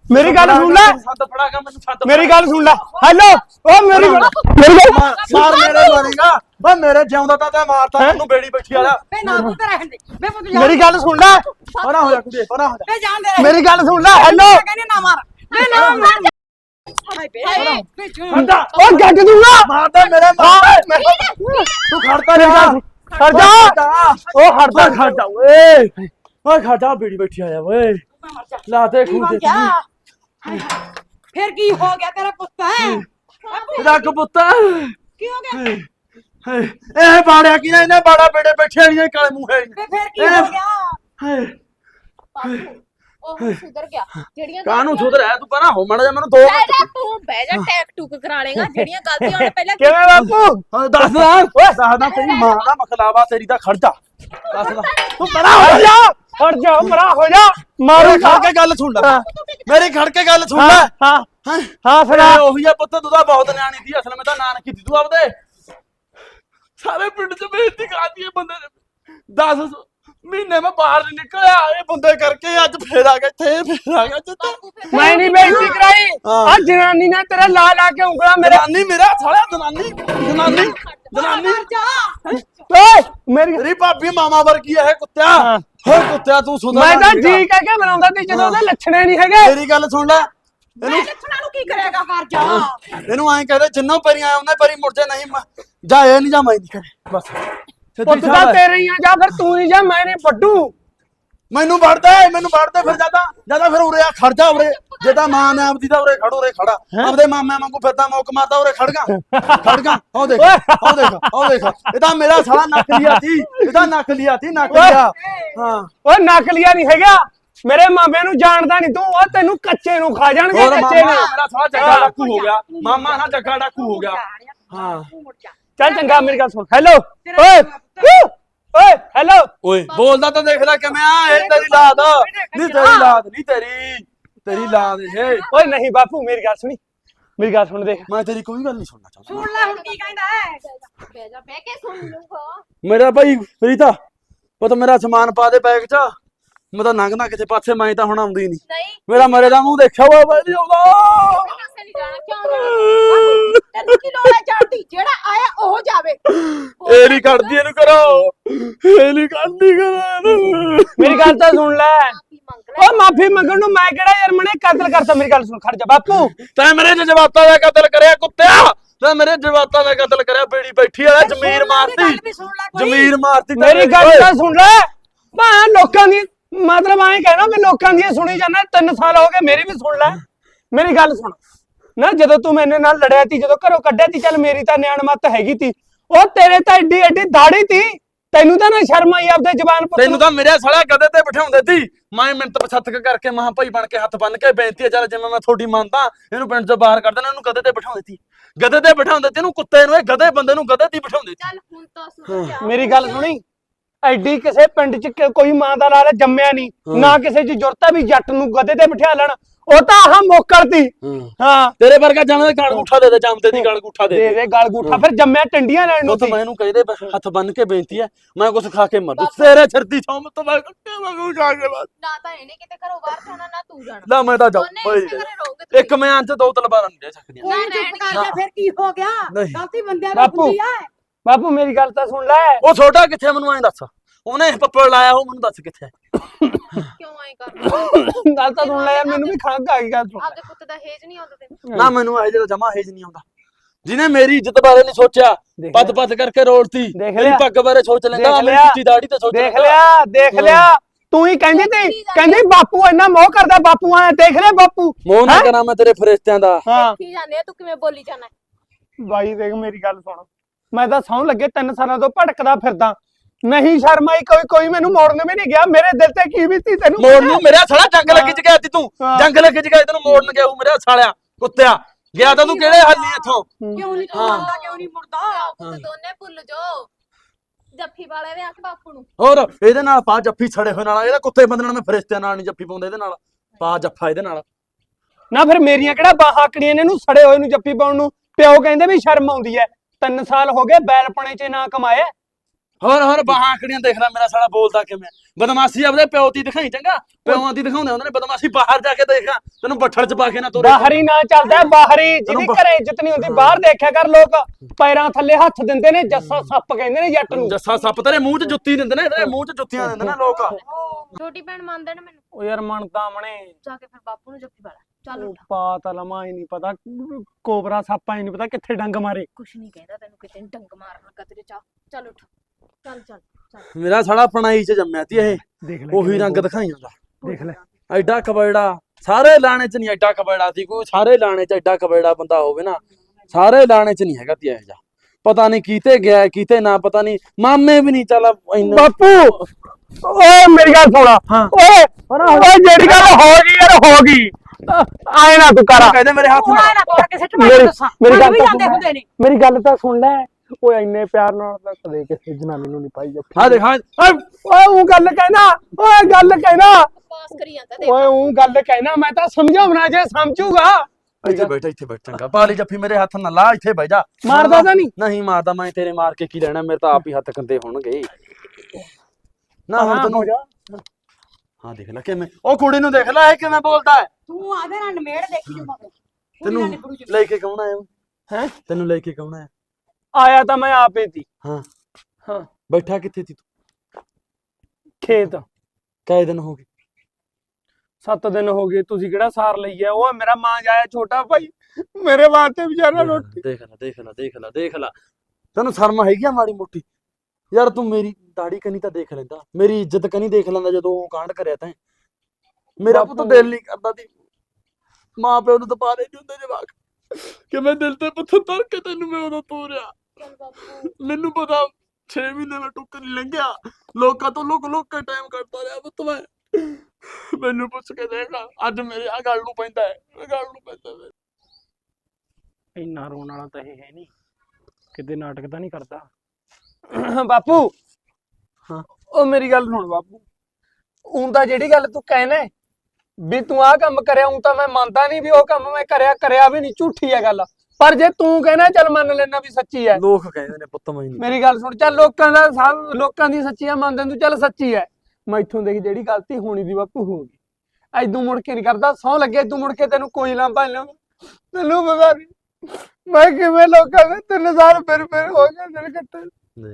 [SPEAKER 1] ਮੇਰੀ ਗੱਲ ਸੁਣ ਲੈ
[SPEAKER 3] ਸੰਦ ਫੜਾਗਾ ਮੈਨੂੰ ਸੰਦ
[SPEAKER 1] ਮੇਰੀ ਗੱਲ ਸੁਣ ਲੈ ਹੈਲੋ ਓ ਮੇਰੀ ਗੱਲ
[SPEAKER 3] ਮਾਰ ਮੇਰੇ ਮਾਰੇਗਾ ਓ ਮੇਰੇ ਜਿਉਂਦਾ ਤਾਂ ਮਾਰਤਾ ਮੈਨੂੰ ਬੇੜੀ ਬੈਠੀ ਵਾਲਾ
[SPEAKER 2] ਬੇ ਨਾ ਪੁੱਤ ਰਹਿਣ ਦੇ ਬੇ ਪੁੱਤ
[SPEAKER 1] ਮੇਰੀ ਗੱਲ ਸੁਣ ਲੈ
[SPEAKER 3] ਪਰਾਂ ਹੋ ਜਾ ਕੁੜੀ ਪਰਾਂ ਹੋ ਜਾ
[SPEAKER 2] ਬੇ ਜਾਣ ਦੇ
[SPEAKER 1] ਮੇਰੀ ਗੱਲ ਸੁਣ ਲੈ ਹੈਲੋ
[SPEAKER 2] ਕਹਿੰਦੇ ਨਾ ਮਾਰ ਬੇ ਨਾ ਮਾਰ ਹਾਏ ਬੇ
[SPEAKER 3] ਖੜਦਾ
[SPEAKER 1] ਓ ਗੱਡ ਦੂੰਗਾ
[SPEAKER 3] ਮਾਰਦਾ ਮੇਰੇ ਮਾਰ ਤੂੰ ਖੜਦਾ ਜਾ
[SPEAKER 1] ਖੜ ਜਾ ਓ ਹਟਦਾ
[SPEAKER 3] ਖੜ ਜਾ ਓਏ ਓਏ ਖੜ ਜਾ ਬੇੜੀ ਬੈਠੀ ਆ ਜਾ ਓਏ ਲਾ ਤੇ
[SPEAKER 2] ਕੀ
[SPEAKER 3] ਖੂਨ
[SPEAKER 2] ਬਣ
[SPEAKER 3] ਦੇ
[SPEAKER 2] ਗਿਆ ਹਾਏ ਹਾਏ ਫਿਰ ਕੀ ਹੋ ਗਿਆ ਤੇਰਾ ਪੁੱਤ ਹੈ
[SPEAKER 3] ਰੱਖ ਪੁੱਤ
[SPEAKER 2] ਕੀ ਹੋ ਗਿਆ
[SPEAKER 3] ਇਹ ਬਾੜਿਆ ਕੀ ਇਹਨੇ ਬਾੜਾ ਬੇੜੇ ਬੈਠੇ ਨਹੀਂ ਕਾਲੇ ਮੂੰਹੇ
[SPEAKER 2] ਬੇ ਫਿਰ ਕੀ ਹੋ ਗਿਆ
[SPEAKER 3] ਹਾਏ
[SPEAKER 4] ਉਹ ਸੁਧਰ ਗਿਆ ਜਿਹੜੀਆਂ
[SPEAKER 3] ਕਾਹਨੂੰ ਸੁਧਰ ਹੈ ਤੂੰ ਪਰਾਂ ਹੋ ਮੜ ਜਾ ਮੈਨੂੰ 2
[SPEAKER 4] ਬਹਿ ਜਾ ਤੂੰ ਬਹਿ ਜਾ ਟੈਕ ਟੂਕ ਕਰਾ ਲੇਗਾ ਜਿਹੜੀਆਂ ਗਲਤੀਆਂ ਉਹਨੇ ਪਹਿਲਾਂ
[SPEAKER 1] ਕਿਵੇਂ ਬਾਪੂ
[SPEAKER 3] ਦੱਸਦਾ ਓਏ ਦੱਸਦਾ ਤੇਰੀ ਮਾਂ ਦਾ ਮਖਲਾਵਾ ਤੇਰੀ ਦਾ ਖਰਚਾ ਦੱਸਦਾ
[SPEAKER 1] ਤੂੰ ਪਰਾਂ ਹੋ ਜਾ ਹਟ ਜਾ ਪਰਾਂ ਹੋ ਜਾ ਮਾਰੂ
[SPEAKER 3] ਮੇਰੇ ਖੜ ਕੇ ਗੱਲ ਸੁਣ ਲੈ ਮੇਰੀ ਖੜ ਕੇ ਗੱਲ ਸੁਣ ਲੈ
[SPEAKER 1] ਹਾਂ ਹਾਂ ਫਿਰ
[SPEAKER 3] ਇਹ ਉਹੀ ਆ ਪੁੱਤ ਤੂੰ ਤਾਂ ਬਹੁਤ ਨਿਆਣੀ ਸੀ ਅਸਲ ਮੈਂ ਤਾਂ ਨਾਨਕੀ ਦੀ ਤੂੰ ਆਪਦੇ ਸਾਰੇ ਪਿੰਡ ਚ ਬੇਇੱਜ਼ਤੀ ਕਰਾਤੀ ਇਹ ਬੰਦੇ ਨੇ 10 ਮਹੀਨੇ ਮੈਂ ਬਾਹਰ ਨਹੀਂ ਨਿਕਲਿਆ ਇਹ ਬੰਦੇ ਕਰਕੇ ਅੱਜ ਫੇਰ ਆ ਗਿਆ ਇੱਥੇ ਫੇਰ ਆ ਗਿਆ ਜਿੱਤੇ
[SPEAKER 1] ਮੈਂ ਨਹੀਂ ਬੇਇੱਜ਼ਤੀ ਕਰਾਈ ਆ ਜਨਾਨੀ ਨੇ ਤੇਰੇ ਲਾ ਲਾ ਕੇ ਉਂਗਲਾਂ ਮੇਰੇ
[SPEAKER 3] ਜਨਾਨੀ ਮੇਰਾ ਸਾਲਿਆ ਜਨਾਨੀ
[SPEAKER 1] ਓਏ ਮੇਰੀ
[SPEAKER 3] ਤੇਰੀ ਭਾਬੀ ਮਾਮਾ ਵਰਗੀ ਹੈ ਕੁੱਤਿਆ ਹੋ ਕੁੱਤਿਆ ਤੂੰ ਸੁਧਰ
[SPEAKER 1] ਮੈਂ ਤਾਂ ਜੀ ਕਹਿ ਕੇ ਬਣਾਉਂਦਾ ਸੀ ਜਦੋਂ ਉਹਦੇ ਲੱਛਣੇ ਨਹੀਂ ਹੈਗੇ
[SPEAKER 3] ਮੇਰੀ ਗੱਲ ਸੁਣ ਲੈ ਇਹਨੂੰ
[SPEAKER 2] ਲੱਛਣਾਂ ਨੂੰ ਕੀ ਕਰੇਗਾ ਕਰ ਜਾ
[SPEAKER 3] ਇਹਨੂੰ ਐਂ ਕਹਦੇ ਜਿੰਨੋਂ ਪਰੀ ਆਇਆ ਉਹਨੇ ਪਰੀ ਮੁੜ ਜਾ ਨਹੀਂ ਜਾ ਇਹ ਨਹੀਂ ਜਾ ਮੈਂ ਨਹੀਂ ਕਰੇ ਬਸ
[SPEAKER 1] ਪੁੱਤ ਤਾਂ ਤੇਰੇ ਹੀ ਆ ਜਾ ਫਿਰ ਤੂੰ ਨਹੀਂ ਜਾ ਮੈਂ ਨਹੀਂ ਵੱਡੂ
[SPEAKER 3] ਮੈਨੂੰ ਵੜਦਾ ਫਿਰ ਜਿਆਦਾ ਫਿਰ ਉਰੇ ਆ ਖੜ ਜਾ ਉਰੇ ਜੇ ਤਾਂ ਮਾਂ ਨੇ ਆਪਦੀ ਤਾਂ ਉਰੇ ਖੜਾ ਆਪਦੇ ਮਾਮਿਆਂ ਵਾਂਗੂ ਫਿਰਦਾ ਮੌਕ ਮਾਰਦਾ ਉਰੇ ਖੜ ਗਾ ਉਹ ਦੇਖ ਇਹ ਤਾਂ ਮੇਰਾ ਸਾਲਾ ਨਕਲੀਆ ਸੀ ਨਕਲੀਆ ਹਾਂ
[SPEAKER 1] ਓਏ ਨਕਲੀਆ ਨਹੀਂ ਹੈਗਾ ਮੇਰੇ ਮਾਮਿਆਂ ਨੂੰ ਜਾਣਦਾ ਨਹੀਂ ਤੂੰ ਉਹ ਤੈਨੂੰ ਕੱਚੇ ਨੂੰ ਖਾ ਜਾਣਗੇ
[SPEAKER 3] ਹੋਰ
[SPEAKER 1] ਕੱਚੇ
[SPEAKER 3] ਮਾਮਾ
[SPEAKER 1] ਨੂੰ
[SPEAKER 3] ਮੇਰਾ ਸਾਲਾ ਜੱਗਾ ਡਾਕੂ ਹੋ ਗਿਆ ਮਾਮਾ ਨਾ ਜੱਗਾ ਡਾਕੂ ਹੋ ਗਿਆ ਹਾਂ
[SPEAKER 1] ਚੱਲ ਚੰਗਾ ਮੇਰੀ ਗੱਲ ਸੁਣ ਹੈਲੋ ਓਏ ਓਏ ਹੈਲੋ
[SPEAKER 3] ਓਏ ਬੋਲਦਾ ਤਾਂ ਦੇਖ ਲੈ ਕਿਵੇਂ ਆ ਇਹ ਤੇਰੀ ਲਾਦ ਨਹੀਂ ਤੇਰੀ ਲਾਦ ਇਹ
[SPEAKER 1] ਓਏ ਨਹੀਂ ਬਾਪੂ ਮੇਰੀ ਗੱਲ ਸੁਣ ਦੇਖ
[SPEAKER 3] ਮੈਂ ਤੇਰੀ ਕੋਈ ਗੱਲ ਨਹੀਂ ਸੁਣਨਾ ਚਾਹੁੰਦਾ
[SPEAKER 2] ਸੁਣ ਲੈ ਹੁਣ ਕੀ ਕਹਿੰਦਾ ਹੈ
[SPEAKER 4] ਬਹਿ ਜਾ ਬਹਿ ਕੇ ਸੁਣ ਲੂਗਾ
[SPEAKER 3] ਮੇਰਾ ਭਾਈ ਪ੍ਰੀਤਾ ਉਹ ਤਾਂ ਮੇਰਾ ਸਮਾਨ ਪਾ ਦੇ ਬੈਗ 'ਚ ਮੈਂ ਤਾਂ ਲੰਘਣਾ ਕਿਸੇ ਪਾਸੇ ਮੈਂ ਤਾਂ ਹੁਣ ਆਉਂਦੀ ਨਹੀਂ
[SPEAKER 4] ਨਹੀਂ
[SPEAKER 3] ਮੇਰਾ ਮਰੇ ਦਾ ਮੂੰਹ ਦੇਖਿਆ ਵਾ ਬਾਈ ਆਉਂਦਾ
[SPEAKER 4] ਕਿਸੇ ਨਹੀਂ ਜਾਣਾ ਕਿਉਂ ਜਾਣਾ
[SPEAKER 2] ਤੈਨੂੰ ਕੀ ਲੋੜ ਹੈ ਜਾਣਦੀ ਜਿਹੜਾ ਆਇਆ ਉਹ ਜਾਵੇ
[SPEAKER 3] ਇਹ ਨਹੀਂ ਕੱਢਦੀ ਇਹਨੂੰ ਕਰੋ ਇਹ ਨਹੀਂ ਕੱਢਦੀ ਕਰੋ
[SPEAKER 1] ਮੇਰੀ ਗੱਲ ਤਾਂ ਸੁਣ ਲੈ
[SPEAKER 4] ਮਾਫੀ ਮੰਗ ਲੈ
[SPEAKER 1] ਓ ਮਾਫੀ ਮੰਗਣ ਨੂੰ ਮੈਂ ਕਿਹੜਾ ਯਾਰ ਮਨੇ ਕਤਲ ਕਰਤਾ ਮੇਰੀ ਗੱਲ ਸੁਣ ਖੜ ਜਾ ਬਾਪੂ
[SPEAKER 3] ਤੈਂ ਮੇਰੇ ਜਜ਼ਬਾਤਾਂ ਦਾ ਕਤਲ ਕਰਿਆ ਕੁੱਤਿਆ ਤੈਂ ਮੇਰੇ ਜਜ਼ਬਾਤਾਂ ਦਾ ਕਤਲ ਕਰਿਆ ਬੇੜੀ ਬੈਠੀ ਵਾਲਾ ਜ਼ਮੀਰ ਮਾਰਤੀ ਜ਼ਮੀਰ ਮਾਰਤੀ
[SPEAKER 1] ਮੇਰੀ ਗੱਲ ਤਾਂ ਸੁਣ ਲੈ ਮੈਂ ਲੋਕਾਂ ਦੀ ਮਤਲਬ ਐਂ ਕਹਿਣਾ ਮੈਂ ਲੋਕਾਂ ਦੀ ਸੁਣੀ ਜਾਂਦਾ 3 ਸਾਲ ਹੋ ਗਏ ਮੇਰੀ ਵੀ ਸੁਣ ਲੈ ਮੇਰੀ ਗੱਲ ਸੁਣ ਨਾ ਜਦੋਂ ਤੂੰ ਮੇਰੇ ਨਾਲ ਲੜਿਆ ਤੀ ਜਦੋਂ ਘਰੋਂ ਕੱਢਿਆ ਤੀ ਚੱਲ ਮੇਰੀ ਤਾਂ ਨਿਆਣ ਮੱਤ ਹੈਗੀ ਤੀ ਉਹ ਤੇਰੇ ਤਾਂ ਏਡੀ ਏਡੀ ਦਾੜੀ ਤੀ ਤੈਨੂੰ ਤਾਂ ਨਾ ਸ਼ਰਮ ਆਈ ਆਪਦੇ ਜ਼ਬਾਨ ਪੁੱਤ
[SPEAKER 3] ਤੈਨੂੰ ਤਾਂ ਮੇਰੇ ਸਾਲਿਆ ਗਦੇ ਤੇ ਬਿਠਾਉਂਦੇ ਸੀ ਮੈਂ ਮਿੰਟ ਪਛੱਤਕ ਕਰਕੇ ਮਹਾ ਭਾਈ ਬਣ ਕੇ ਹੱਥ ਬੰਨ ਕੇ ਬੇਨਤੀ ਹੈ ਚੱਲ ਜਿਵੇਂ ਮੈਂ ਤੁਹਾਡੀ ਮੰਨਦਾ ਇਹਨੂੰ ਪਿੰਡ ਤੋਂ ਬਾਹਰ ਕੱਢ ਦੇਣਾ ਇਹਨੂੰ ਗਦੇ ਤੇ ਬਿਠਾਉਂਦੇ ਸੀ ਗਦੇ ਤੇ ਬਿਠਾਉਂਦੇ ਤੇ ਇਹਨੂੰ ਕੁੱਤੇ ਨੂੰ ਇਹ ਗਦੇ ਬੰਦੇ ਨੂੰ ਗਦੇ ਤੇ ਬਿਠਾਉਂਦੇ ਸੀ
[SPEAKER 4] ਚੱਲ ਹੁਣ ਤਾਂ ਸੁਣ ਜਾ
[SPEAKER 1] ਮੇਰੀ ਗੱਲ ਸੁਣੀ ਐਡੀ ਕਿਸੇ ਪਿੰਡ ਚ ਕੋਈ ਮਾਂ ਦਾ ਲਾਲ ਜੰਮਿਆ ਨਹੀਂ ਨਾ ਕਿਸੇ ਚ ਜ਼ਰੂਰਤ ਹੈ ਵੀ ਜੱਟ ਨੂੰ ਗਦੇ ਤੇ ਬਿਠਾ ਲੈਣ ਉਹ ਤਾਂ ਆਹ ਮੋਕਰ ਤੀ ਹਾਂ
[SPEAKER 3] ਤੇਰੇ ਵਰਗਾ ਜੰਮਦੇ ਗਲ ਗੂਠਾ ਦੇ ਜੰਮਦੇ ਦੀ ਗਲ ਗੂਠਾ
[SPEAKER 1] ਦੇ ਦੇ ਗਲ ਗੂਠਾ ਫਿਰ ਜੰਮਿਆ ਟੰਡੀਆਂ ਲੈਣ ਨੂੰ
[SPEAKER 3] ਉਹ ਤਾਂ
[SPEAKER 1] ਤੀ
[SPEAKER 3] ਮੈਨੂੰ ਕਹਿੰਦੇ ਹੱਥ ਬੰਨ ਕੇ ਬੇਨਤੀ ਹੈ ਮੈਂ ਕੁਛ ਖਾ ਕੇ ਮਰ ਦੂੰ ਤੇਰੇ ਛਰਦੀ ਛੋਂ ਮੈਂ ਤਾਂ ਮੈਂ ਕੱਟੇ ਵਾਂਗੂ ਜਾ ਕੇ ਬਸ
[SPEAKER 4] ਨਾ ਤਾਂ ਇਹਨੇ ਕਿਤੇ ਘਰੋਂ ਬਾਹਰ ਜਾਣਾ ਨਾ ਤੂੰ ਜਾਣਾ
[SPEAKER 3] ਲੈ ਮੈਂ ਤਾਂ ਜਾਉਂ
[SPEAKER 4] ਦੋਨੇ ਇਸੇ ਘਰੇ ਰਹੋਗੇ ਤੁਸੀਂ।
[SPEAKER 3] ਇੱਕ ਮੈਂ ਅੰਤ 2 ਤਲਵਾਰਾਂ ਨਹੀਂ ਦੇ ਸਕਦੀਆਂ
[SPEAKER 2] ਕੋਈ ਚੁੱਪ ਕਰ ਜਾ ਫਿਰ ਕੀ ਹੋ ਗਿਆ
[SPEAKER 3] ਨਹੀਂ।
[SPEAKER 2] ਗਲਤੀ ਬੰਦਿਆਂ ਦੀ
[SPEAKER 1] ਬਾਪੂ
[SPEAKER 2] ਹੁੰਦੀ ਹੈ
[SPEAKER 1] ਬਾਪੂ ਮੇਰੀ ਗੱਲ ਤਾਂ ਸੁਣ ਲੈ
[SPEAKER 3] ਉਹ ਛੋਟਾ ਕਿੱਥੇ ਮੈਨੂੰ ਐਂ ਦੱਸ ਉਹਨੇ ਪੱਪੜ ਲਾਇਆ ਉਹ ਮੈਨੂੰ ਦੱਸ ਕਿੱਥੇ
[SPEAKER 4] ਕਿਉਂ ਐਂ ਕਰਦਾ
[SPEAKER 1] ਗੱਲ ਤਾਂ ਸੁਣ ਲੈ ਯਾਰ ਮੈਨੂੰ ਵੀ ਖੰਗ ਆ ਗਈ ਗੱਲ ਸੁਣ
[SPEAKER 4] ਆਪਦੇ ਪੁੱਤ ਦਾ ਹੇਜ ਨਹੀਂ ਆਉਂਦਾ ਤੈਨੂੰ
[SPEAKER 3] ਨਾ ਮੈਨੂੰ ਇਹ ਜਿਹੜਾ ਜਮਾ ਹੇਜ ਨਹੀਂ ਆਉਂਦਾ ਜਿਹਨੇ ਮੇਰੀ ਇੱਜ਼ਤ ਬਾਰੇ ਨਹੀਂ ਸੋਚਿਆ
[SPEAKER 1] ਦੇਖ
[SPEAKER 3] ਪੱਤ ਪੱਤ ਕਰਕੇ ਰੋਲਤੀ
[SPEAKER 1] ਦੇਖ
[SPEAKER 3] ਮੇਰੀ
[SPEAKER 1] ਲਿਆ।
[SPEAKER 3] ਪੱਗ ਬਾਰੇ ਸੋਚ ਲੈਂਦਾ
[SPEAKER 1] ਦੇਖ
[SPEAKER 3] ਮੇਰੀ
[SPEAKER 1] ਲਿਆ।
[SPEAKER 3] ਚਿੱਟੀ ਦਾੜੀ ਤੇ ਸੋਚ
[SPEAKER 1] ਦੇਖ ਲਿਆ ਤੂੰ ਹੀ ਕਹਿੰਦੀ ਤੀ ਕਹਿੰਦੀ ਬਾਪੂ ਇੰਨਾ ਮੋਹ ਕਰਦਾ ਬਾਪੂ ਆਇਆ ਦੇਖ ਲਿਆ ਬਾਪੂ
[SPEAKER 3] ਮੋਹ ਨਾ
[SPEAKER 1] ਹੈਂ?
[SPEAKER 3] ਕਰਾਂ ਮੈਂ ਤੇਰੇ ਫਰਿਸ਼ਤਿਆਂ ਦਾ
[SPEAKER 1] ਹਾਂ
[SPEAKER 4] ਕੀ ਜਾਣੇ ਤੂੰ ਕਿਵੇਂ ਬੋਲੀ ਜਾਣਾ
[SPEAKER 1] ਬਾਈ ਦੇਖ ਮੇਰੀ ਗੱਲ ਸੁਣ ਮੈਂ ਤਾਂ ਸੌਂ ਲੱਗੇ 3 ਸਾਲਾਂ ਤੋਂ ਭਟਕਦਾ ਫਿਰਦਾ ਨਹੀਂ ਸ਼ਰਮ ਆਈ ਕੋਈ ਮੈਨੂੰ ਮੋੜਨ ਵੀ ਨਹੀਂ ਗਿਆ ਮੇਰੇ ਦਿਲ ਤੇ ਕੀ ਬੀਤੀ ਤੈਨੂੰ
[SPEAKER 3] ਮੋੜ ਨੂੰ ਮੇਰਾ ਸਾਲਾ ਜੰਗ ਲੱਗ ਚ ਗਿਆ ਤੀ ਤੂੰ
[SPEAKER 1] ਹਾਂ।
[SPEAKER 3] ਜੰਗ ਲੱਗ ਚ ਗਿਆ ਤੈਨੂੰ ਮੋੜਨ ਗਿਆ ਉਹ ਮੇਰਾ ਸਾਲਿਆ ਕੁੱਤਿਆ ਗਿਆ ਤਾਂ ਤੂੰ ਕਿਹੜੇ ਹੱਲੀ ਇੱਥੋਂ
[SPEAKER 2] ਕਿਉਂ ਨਹੀਂ ਤੂੰ
[SPEAKER 3] ਹਾਂ।
[SPEAKER 2] ਮੰਨਦਾ ਕਿਉਂ ਨਹੀਂ ਮੁੜਦਾ
[SPEAKER 4] ਪੁੱਤ ਦੋਨੇ ਭੁੱਲ ਜਾਓ ਜੱਫੀ ਵਾਲੇ ਦੇ ਆਖ ਬਾਪੂ ਨੂੰ
[SPEAKER 3] ਹੋਰ ਇਹਦੇ ਨਾਲ ਪਾ ਜੱਫੀ ਛੜੇ ਹੋਏ ਨਾਲ ਇਹਦਾ ਕੁੱਤੇ ਬੰਦੇ ਨਾਲ ਮੈਂ ਫਰਿਸ਼ਤਿਆਂ ਨਾਲ ਨਹੀਂ ਜੱਫੀ ਪਾਉਂਦਾ ਇਹਦੇ ਨਾਲ ਪਾ ਜੱਫਾ ਇਹਦੇ ਨਾਲ
[SPEAKER 1] ਨਾ ਫਿਰ ਮੇਰੀਆਂ ਕਿਹੜਾ ਬਾਹਾਂ ਆਕੜੀਆਂ ਨੇ ਇਹਨੂੰ ਸੜੇ ਹੋਏ ਨੂੰ ਜੱਫੀ ਪਾਉਣ ਨੂੰ ਪਿਓ ਕਹਿੰਦੇ ਵੀ ਸ਼ਰਮ ਆਉਂਦੀ ਐ 3 ਸਾਲ ਹੋ ਗਏ ਬੈਲਪਣੇ 'ਚ ਨਾ ਕਮਾਏ
[SPEAKER 3] ਹੋਰ ਬਾਹਾਂ ਆਕੜੀਆਂ ਦੇਖ ਲੈ ਮੇਰਾ ਸਾਲਾ ਬੋਲਦਾ ਕਿਵੇਂ ਬਦਮਾਸ਼ੀ ਆਪਦੇ ਪਿਓ ਦੀ ਦਿਖਾਈ ਚੰਗਾ ਪਿਓਾਂ ਦੀ ਦਿਖਾਉਂਦੇ ਹੁੰਦੇ ਨੇ ਬਦਮਾਸ਼ੀ ਬਾਹਰ ਜਾ ਕੇ ਦੇਖਾਂ ਤੈਨੂੰ ਬੱਠਲ ਚ ਪਾ ਕੇ ਨਾ ਤੋਰੇ
[SPEAKER 1] ਬਾਹਰੀ ਨਾ ਚੱਲਦਾ ਬਾਹਰੀ ਜਿਹਦੀ ਘਰੇ ਇੱਜ਼ਤ ਨਹੀਂ ਹੁੰਦੀ ਬਾਹਰ ਦੇਖਿਆ ਕਰ ਲੋਕ ਪੈਰਾਂ ਥੱਲੇ ਹੱਥ ਦਿੰਦੇ ਨੇ ਜੱਸਾ ਸੱਪ ਕਹਿੰਦੇ ਨੇ ਜੱਟ ਨੂੰ
[SPEAKER 3] ਜੱਸਾ ਸੱਪ ਤੇਰੇ ਮੂੰਹ 'ਚ ਜੁੱਤੀ ਦਿੰਦੇ ਨੇ ਤੇਰੇ ਮੂੰਹ 'ਚ ਜੁੱਤੀਆਂ ਦਿੰਦੇ ਨੇ ਲੋਕ
[SPEAKER 4] ਛੋਟੀ ਭੈਣ ਮੰਨਦਾ ਨਾ ਮੈਨੂੰ
[SPEAKER 1] ਉਹ ਯਾਰ ਮਨਤਾ ਮਣੇ
[SPEAKER 4] ਜਾ ਕੇ ਫਿਰ ਬਾਪੂ ਨੂੰ ਜੱਫੀ ਵਾਲਾ ਚੱਲ ਉੱਠ
[SPEAKER 1] ਪਾ ਤਾਂ ਲਮਾ ਹੀ ਨਹੀਂ ਪਤਾ ਕੋਬਰਾ ਸੱਪਾ ਹੀ ਨਹੀਂ ਪਤਾ ਕਿੱਥੇ ਡੰਗ ਮਾਰੇ
[SPEAKER 4] ਕੁਛ ਨਹੀਂ ਕਹਿੰਦਾ ਤੈਨੂੰ ਕਿਤੇ ਨੀ ਡੰਗ ਮਾਰਨ ਲੱਗਾ ਤੇਰੇ ਚਾ ਚੱਲ ਉੱਠ ਚੱਲ ਚੱਲ ਚੱਲ
[SPEAKER 3] ਮੇਰਾ ਸਾਲਾ ਪਣਾਈ 'ਚ ਜੰਮਿਆ ਤੀ ਇਹ
[SPEAKER 1] ਦੇਖ ਲੈ
[SPEAKER 3] ਉਹੀ ਰੰਗ ਦਿਖਾਈ ਜਾਂਦਾ
[SPEAKER 1] ਦੇਖ ਲੈ
[SPEAKER 3] ਐਡਾ ਕਬੜਾ ਸਾਰੇ ਲਾਣੇ 'ਚ ਨਹੀਂ ਐਡਾ ਕਬੜਾ ਸੀ ਕੋਈ ਸਾਰੇ ਲਾਣੇ 'ਚ ਐਡਾ ਕਬੜਾ ਬੰਦਾ ਹੋਵੇ ਨਾ ਸਾਰੇ ਲਾਣੇ 'ਚ ਨਹੀਂ ਹੈਗਾ ਤੀ ਇਹ ਜਾ ਪਤਾ ਨਹੀਂ ਕੀਤੇ ਗਿਆ ਕੀਤੇ ਨਾ ਪਤਾ ਨਹੀਂ ਮਾਮੇ ਵੀ ਨਹੀਂ ਚੱਲ ਇੰਨਾ
[SPEAKER 1] ਬਾਪੂ ਓਏ ਮੇਰੀ ਗੱਲ ਸੁਣਾ ਓਏ ਓਏ ਜਿਹੜੀ ਗੱਲ ਹੋ ਗਈ ਯਾਰ ਹੋ ਗਈ ਆਏ ਨਾ ਤੂੰ ਕਰ
[SPEAKER 3] ਕਹਿੰਦੇ ਮੇਰੇ ਹੱਥ
[SPEAKER 2] ਤੂੰ
[SPEAKER 3] ਨਾਲ
[SPEAKER 2] ਆਏ ਨਾ ਤੋੜ ਕੇ ਸਿੱਟ ਮੈਂ
[SPEAKER 1] ਮੇਰੀ
[SPEAKER 2] ਦੱਸਾਂ
[SPEAKER 1] ਮੇਰੀ
[SPEAKER 2] ਮੈਨੂੰ
[SPEAKER 1] ਗੱਲ
[SPEAKER 2] ਵੀ
[SPEAKER 1] ਤਾਂ
[SPEAKER 2] ਜਾਂਦੇ
[SPEAKER 1] ਸੁਣ
[SPEAKER 2] ਹੁੰਦੇ ਨੇ
[SPEAKER 1] ਮੇਰੀ ਗੱਲ ਤਾਂ ਸੁਣ ਲੈ ਓਏ ਇੰਨੇ ਪਿਆਰ ਨਾਲ ਤਾਂ ਕਦੇ ਕਿਸੇ ਜਨਾਨੀ ਨੂੰ ਨਹੀਂ ਪਾਈ ਜੱਫੀ
[SPEAKER 3] ਹਾਂ ਦੇਖ ਹਾਂ
[SPEAKER 1] ਓਏ ਉਹ ਗੱਲ ਕਹਿਣਾ ਓਏ ਗੱਲ ਕਹਿਣਾ
[SPEAKER 4] ਪਾਸ ਕਰੀ ਜਾਂਦਾ ਦੇਖ
[SPEAKER 1] ਓਏ ਉਹ ਗੱਲ ਕਹਿਣਾ ਮੈਂ ਤਾਂ ਸਮਝਾਉਣਾ ਜੇ ਸਮਝੂਗਾ
[SPEAKER 3] ਇੱਥੇ ਬੈਠ ਚੰਗਾ ਪਾ ਲਈ ਜੱਫੀ ਮੇਰੇ ਹੱਥ ਨਾਲ ਲਾ ਇੱਥੇ ਬਹਿ ਜਾ
[SPEAKER 1] ਮਾਰਦਾ ਤਾਂ ਨਹੀਂ
[SPEAKER 3] ਨਹੀਂ ਮਾਰਦਾ ਮੈਂ ਤੇਰੇ ਮਾਰ ਕੇ ਕੀ ਲੈਣਾ ਮੇਰੇ ਤਾਂ ਆਪ ਹੀ ਹੱਥ ਕੰਦੇ ਹੋਣਗੇ ਨਾ ਹੁਣ ਤੈਨੂੰ ਹਾਂ ਦੇਖ ਲੈ ਕਿਵੇਂ ਉਹ ਕੁੜੀ ਨੂੰ ਦੇਖ ਲੈ ਇਹ ਕਿਵੇਂ ਬੋਲਦਾ ਹੈ
[SPEAKER 2] ਤੂੰ ਆਦੇ ਨਾਲ ਨਮੇੜ ਦੇਖੀ ਜੂ ਮਗਰ
[SPEAKER 3] ਤੈਨੂੰ ਲੈ ਕੇ ਕੌਣ ਆਇਆ
[SPEAKER 1] ਹੈ
[SPEAKER 3] ਤੈਨੂੰ ਲੈ ਕੇ ਕੌਣ ਆਇਆ
[SPEAKER 1] ਆਇਆ ਤਾਂ ਮੈਂ ਆਪੇ ਤੀ
[SPEAKER 3] ਹਾਂ
[SPEAKER 1] ਹਾਂ
[SPEAKER 3] ਬੈਠਾ ਕਿੱਥੇ ਸੀ ਤੂੰ
[SPEAKER 1] ਖੇਤ
[SPEAKER 3] ਕਈ ਦਿਨ ਹੋ ਗਏ
[SPEAKER 1] 7 ਦਿਨ ਹੋ ਗਏ ਤੁਸੀਂ ਕਿਹੜਾ ਸਾਰ ਲਈ ਆ ਉਹ ਮੇਰਾ ਮਾਂ ਜਾਇਆ ਛੋਟਾ ਭਾਈ ਮੇਰੇ ਵਾਸਤੇ ਵਿਚਾਰਾ ਰੋਟੀ
[SPEAKER 3] ਦੇਖ ਲੈ ਤੈਨੂੰ ਸ਼ਰਮ ਹੈਗੀ ਆ ਮਾੜੀ ਮੋਟੀ ਯਾਰ ਤੂੰ ਮੇਰੀ ਦਾੜੀ ਕਨੀ ਤਾਂ ਦੇਖ ਲੈਂਦਾ ਮੇਰੀ ਇੱਜ਼ਤ ਕਨੀ ਦੇਖ ਲੈਂਦਾ ਜਦੋਂ ਉਹ ਕਾਂਡ ਕਰਿਆ ਤੈਂ ਮੇਰਾ ਪੁੱਤ ਦਿਲ ਨਹੀਂ ਕਰਦਾ ਸੀ ਮਾਂ ਪਿਓ ਨੂੰ ਤਾਂ ਪਾ ਦੇ ਹੁੰਦੇ ਜਵਾਕ ਕਿ ਮੈਂ ਦਿਲ ਤੇ ਪੱਥਰ ਧਰ ਕੇ ਤੈਨੂੰ ਮੈਂ ਉਦੋਂ ਤੋਰਿਆ
[SPEAKER 4] ਚੱਲ ਬਾਪੂ
[SPEAKER 3] ਮੈਨੂੰ ਪਤਾ 6 ਮਹੀਨੇ ਮੈਂ ਟੁੱਕ ਨਹੀਂ ਲੰਘਿਆ ਲੋਕਾਂ ਤੋਂ ਲੁਕ ਕੇ ਟਾਈਮ ਕੱਢਦਾ ਰਿਹਾ ਪੁੱਤ ਮੈਂ ਮੈਨੂੰ ਪੁੱਛ ਕੇ ਦੇਖ ਅੱਜ ਮੇਰੇ ਆ ਗੱਲ ਨੂੰ ਪੈਂਦਾ ਹੈ ਗੱਲ ਨੂੰ ਪੈਂਦਾ
[SPEAKER 1] ਇੰਨਾ ਰੋਣ ਵਾਲਾ ਤਾਂ ਇਹ ਹੈ ਨਹੀਂ ਕਿਤੇ ਨਾਟਕ ਤਾਂ ਨਹੀਂ ਕਰਦਾ ਬਾਪੂ
[SPEAKER 3] ਹਾਂ
[SPEAKER 1] ਉਹ ਮੇਰੀ ਗੱਲ ਸੁਣ ਬਾਪੂ ਊਂ ਤਾਂ ਜਿਹੜੀ ਗੱਲ ਤੂੰ ਕਹਿਣਾ ਵੀ ਤੂੰ ਆਹ ਕੰਮ ਕਰਿਆ ਊਂ ਤਾਂ ਮੈਂ ਮੰਨਦਾ ਨਹੀਂ ਵੀ ਉਹ ਕੰਮ ਮੈਂ ਕਰਿਆ ਵੀ ਨਹੀਂ ਝੂਠੀ ਹੈ ਗੱਲ ਪਰ ਜੇ ਤੂੰ ਕਹਿਣਾ ਚੱਲ ਮੰਨ ਲੈਣਾ ਵੀ ਸੱਚੀ ਹੈ
[SPEAKER 3] ਲੋਕ ਕਹਿੰਦੇ ਨੇ ਪੁੱਤ ਮੈਂ ਨਹੀਂ
[SPEAKER 1] ਮੇਰੀ ਗੱਲ ਸੁਣ ਚੱਲ ਲੋਕਾਂ ਦੀ ਸੱਚੀ ਆ ਮੰਨਦੇ ਤੂੰ ਚੱਲ ਸੱਚੀ ਹੈ ਮੈਥੋਂ ਦੇਖ ਜਿਹੜੀ ਗਲਤੀ ਹੋਣੀ ਦੀ ਬਾਪੂ ਹੋ ਗਈ ਐਦੋਂ ਮੁੜ ਕੇ ਨਹੀਂ ਕਰਦਾ ਸਹੁੰ ਲੱਗੇ ਤੂੰ ਮੁੜ ਕੇ ਤੈਨੂੰ ਕੋਈ ਲਾਂਭਾ ਨਹੀਂ ਲਾਉਂਦਾ ਤੈਨੂੰ ਪਤਾ ਨਹੀਂ ਮੈਂ ਕਿਵੇਂ ਲੋਕਾਂ ਦੇ 3 ਸਾਲ ਫਿਰ ਹੋ ਗਏ ਦਿਲ ਕੱਟੇ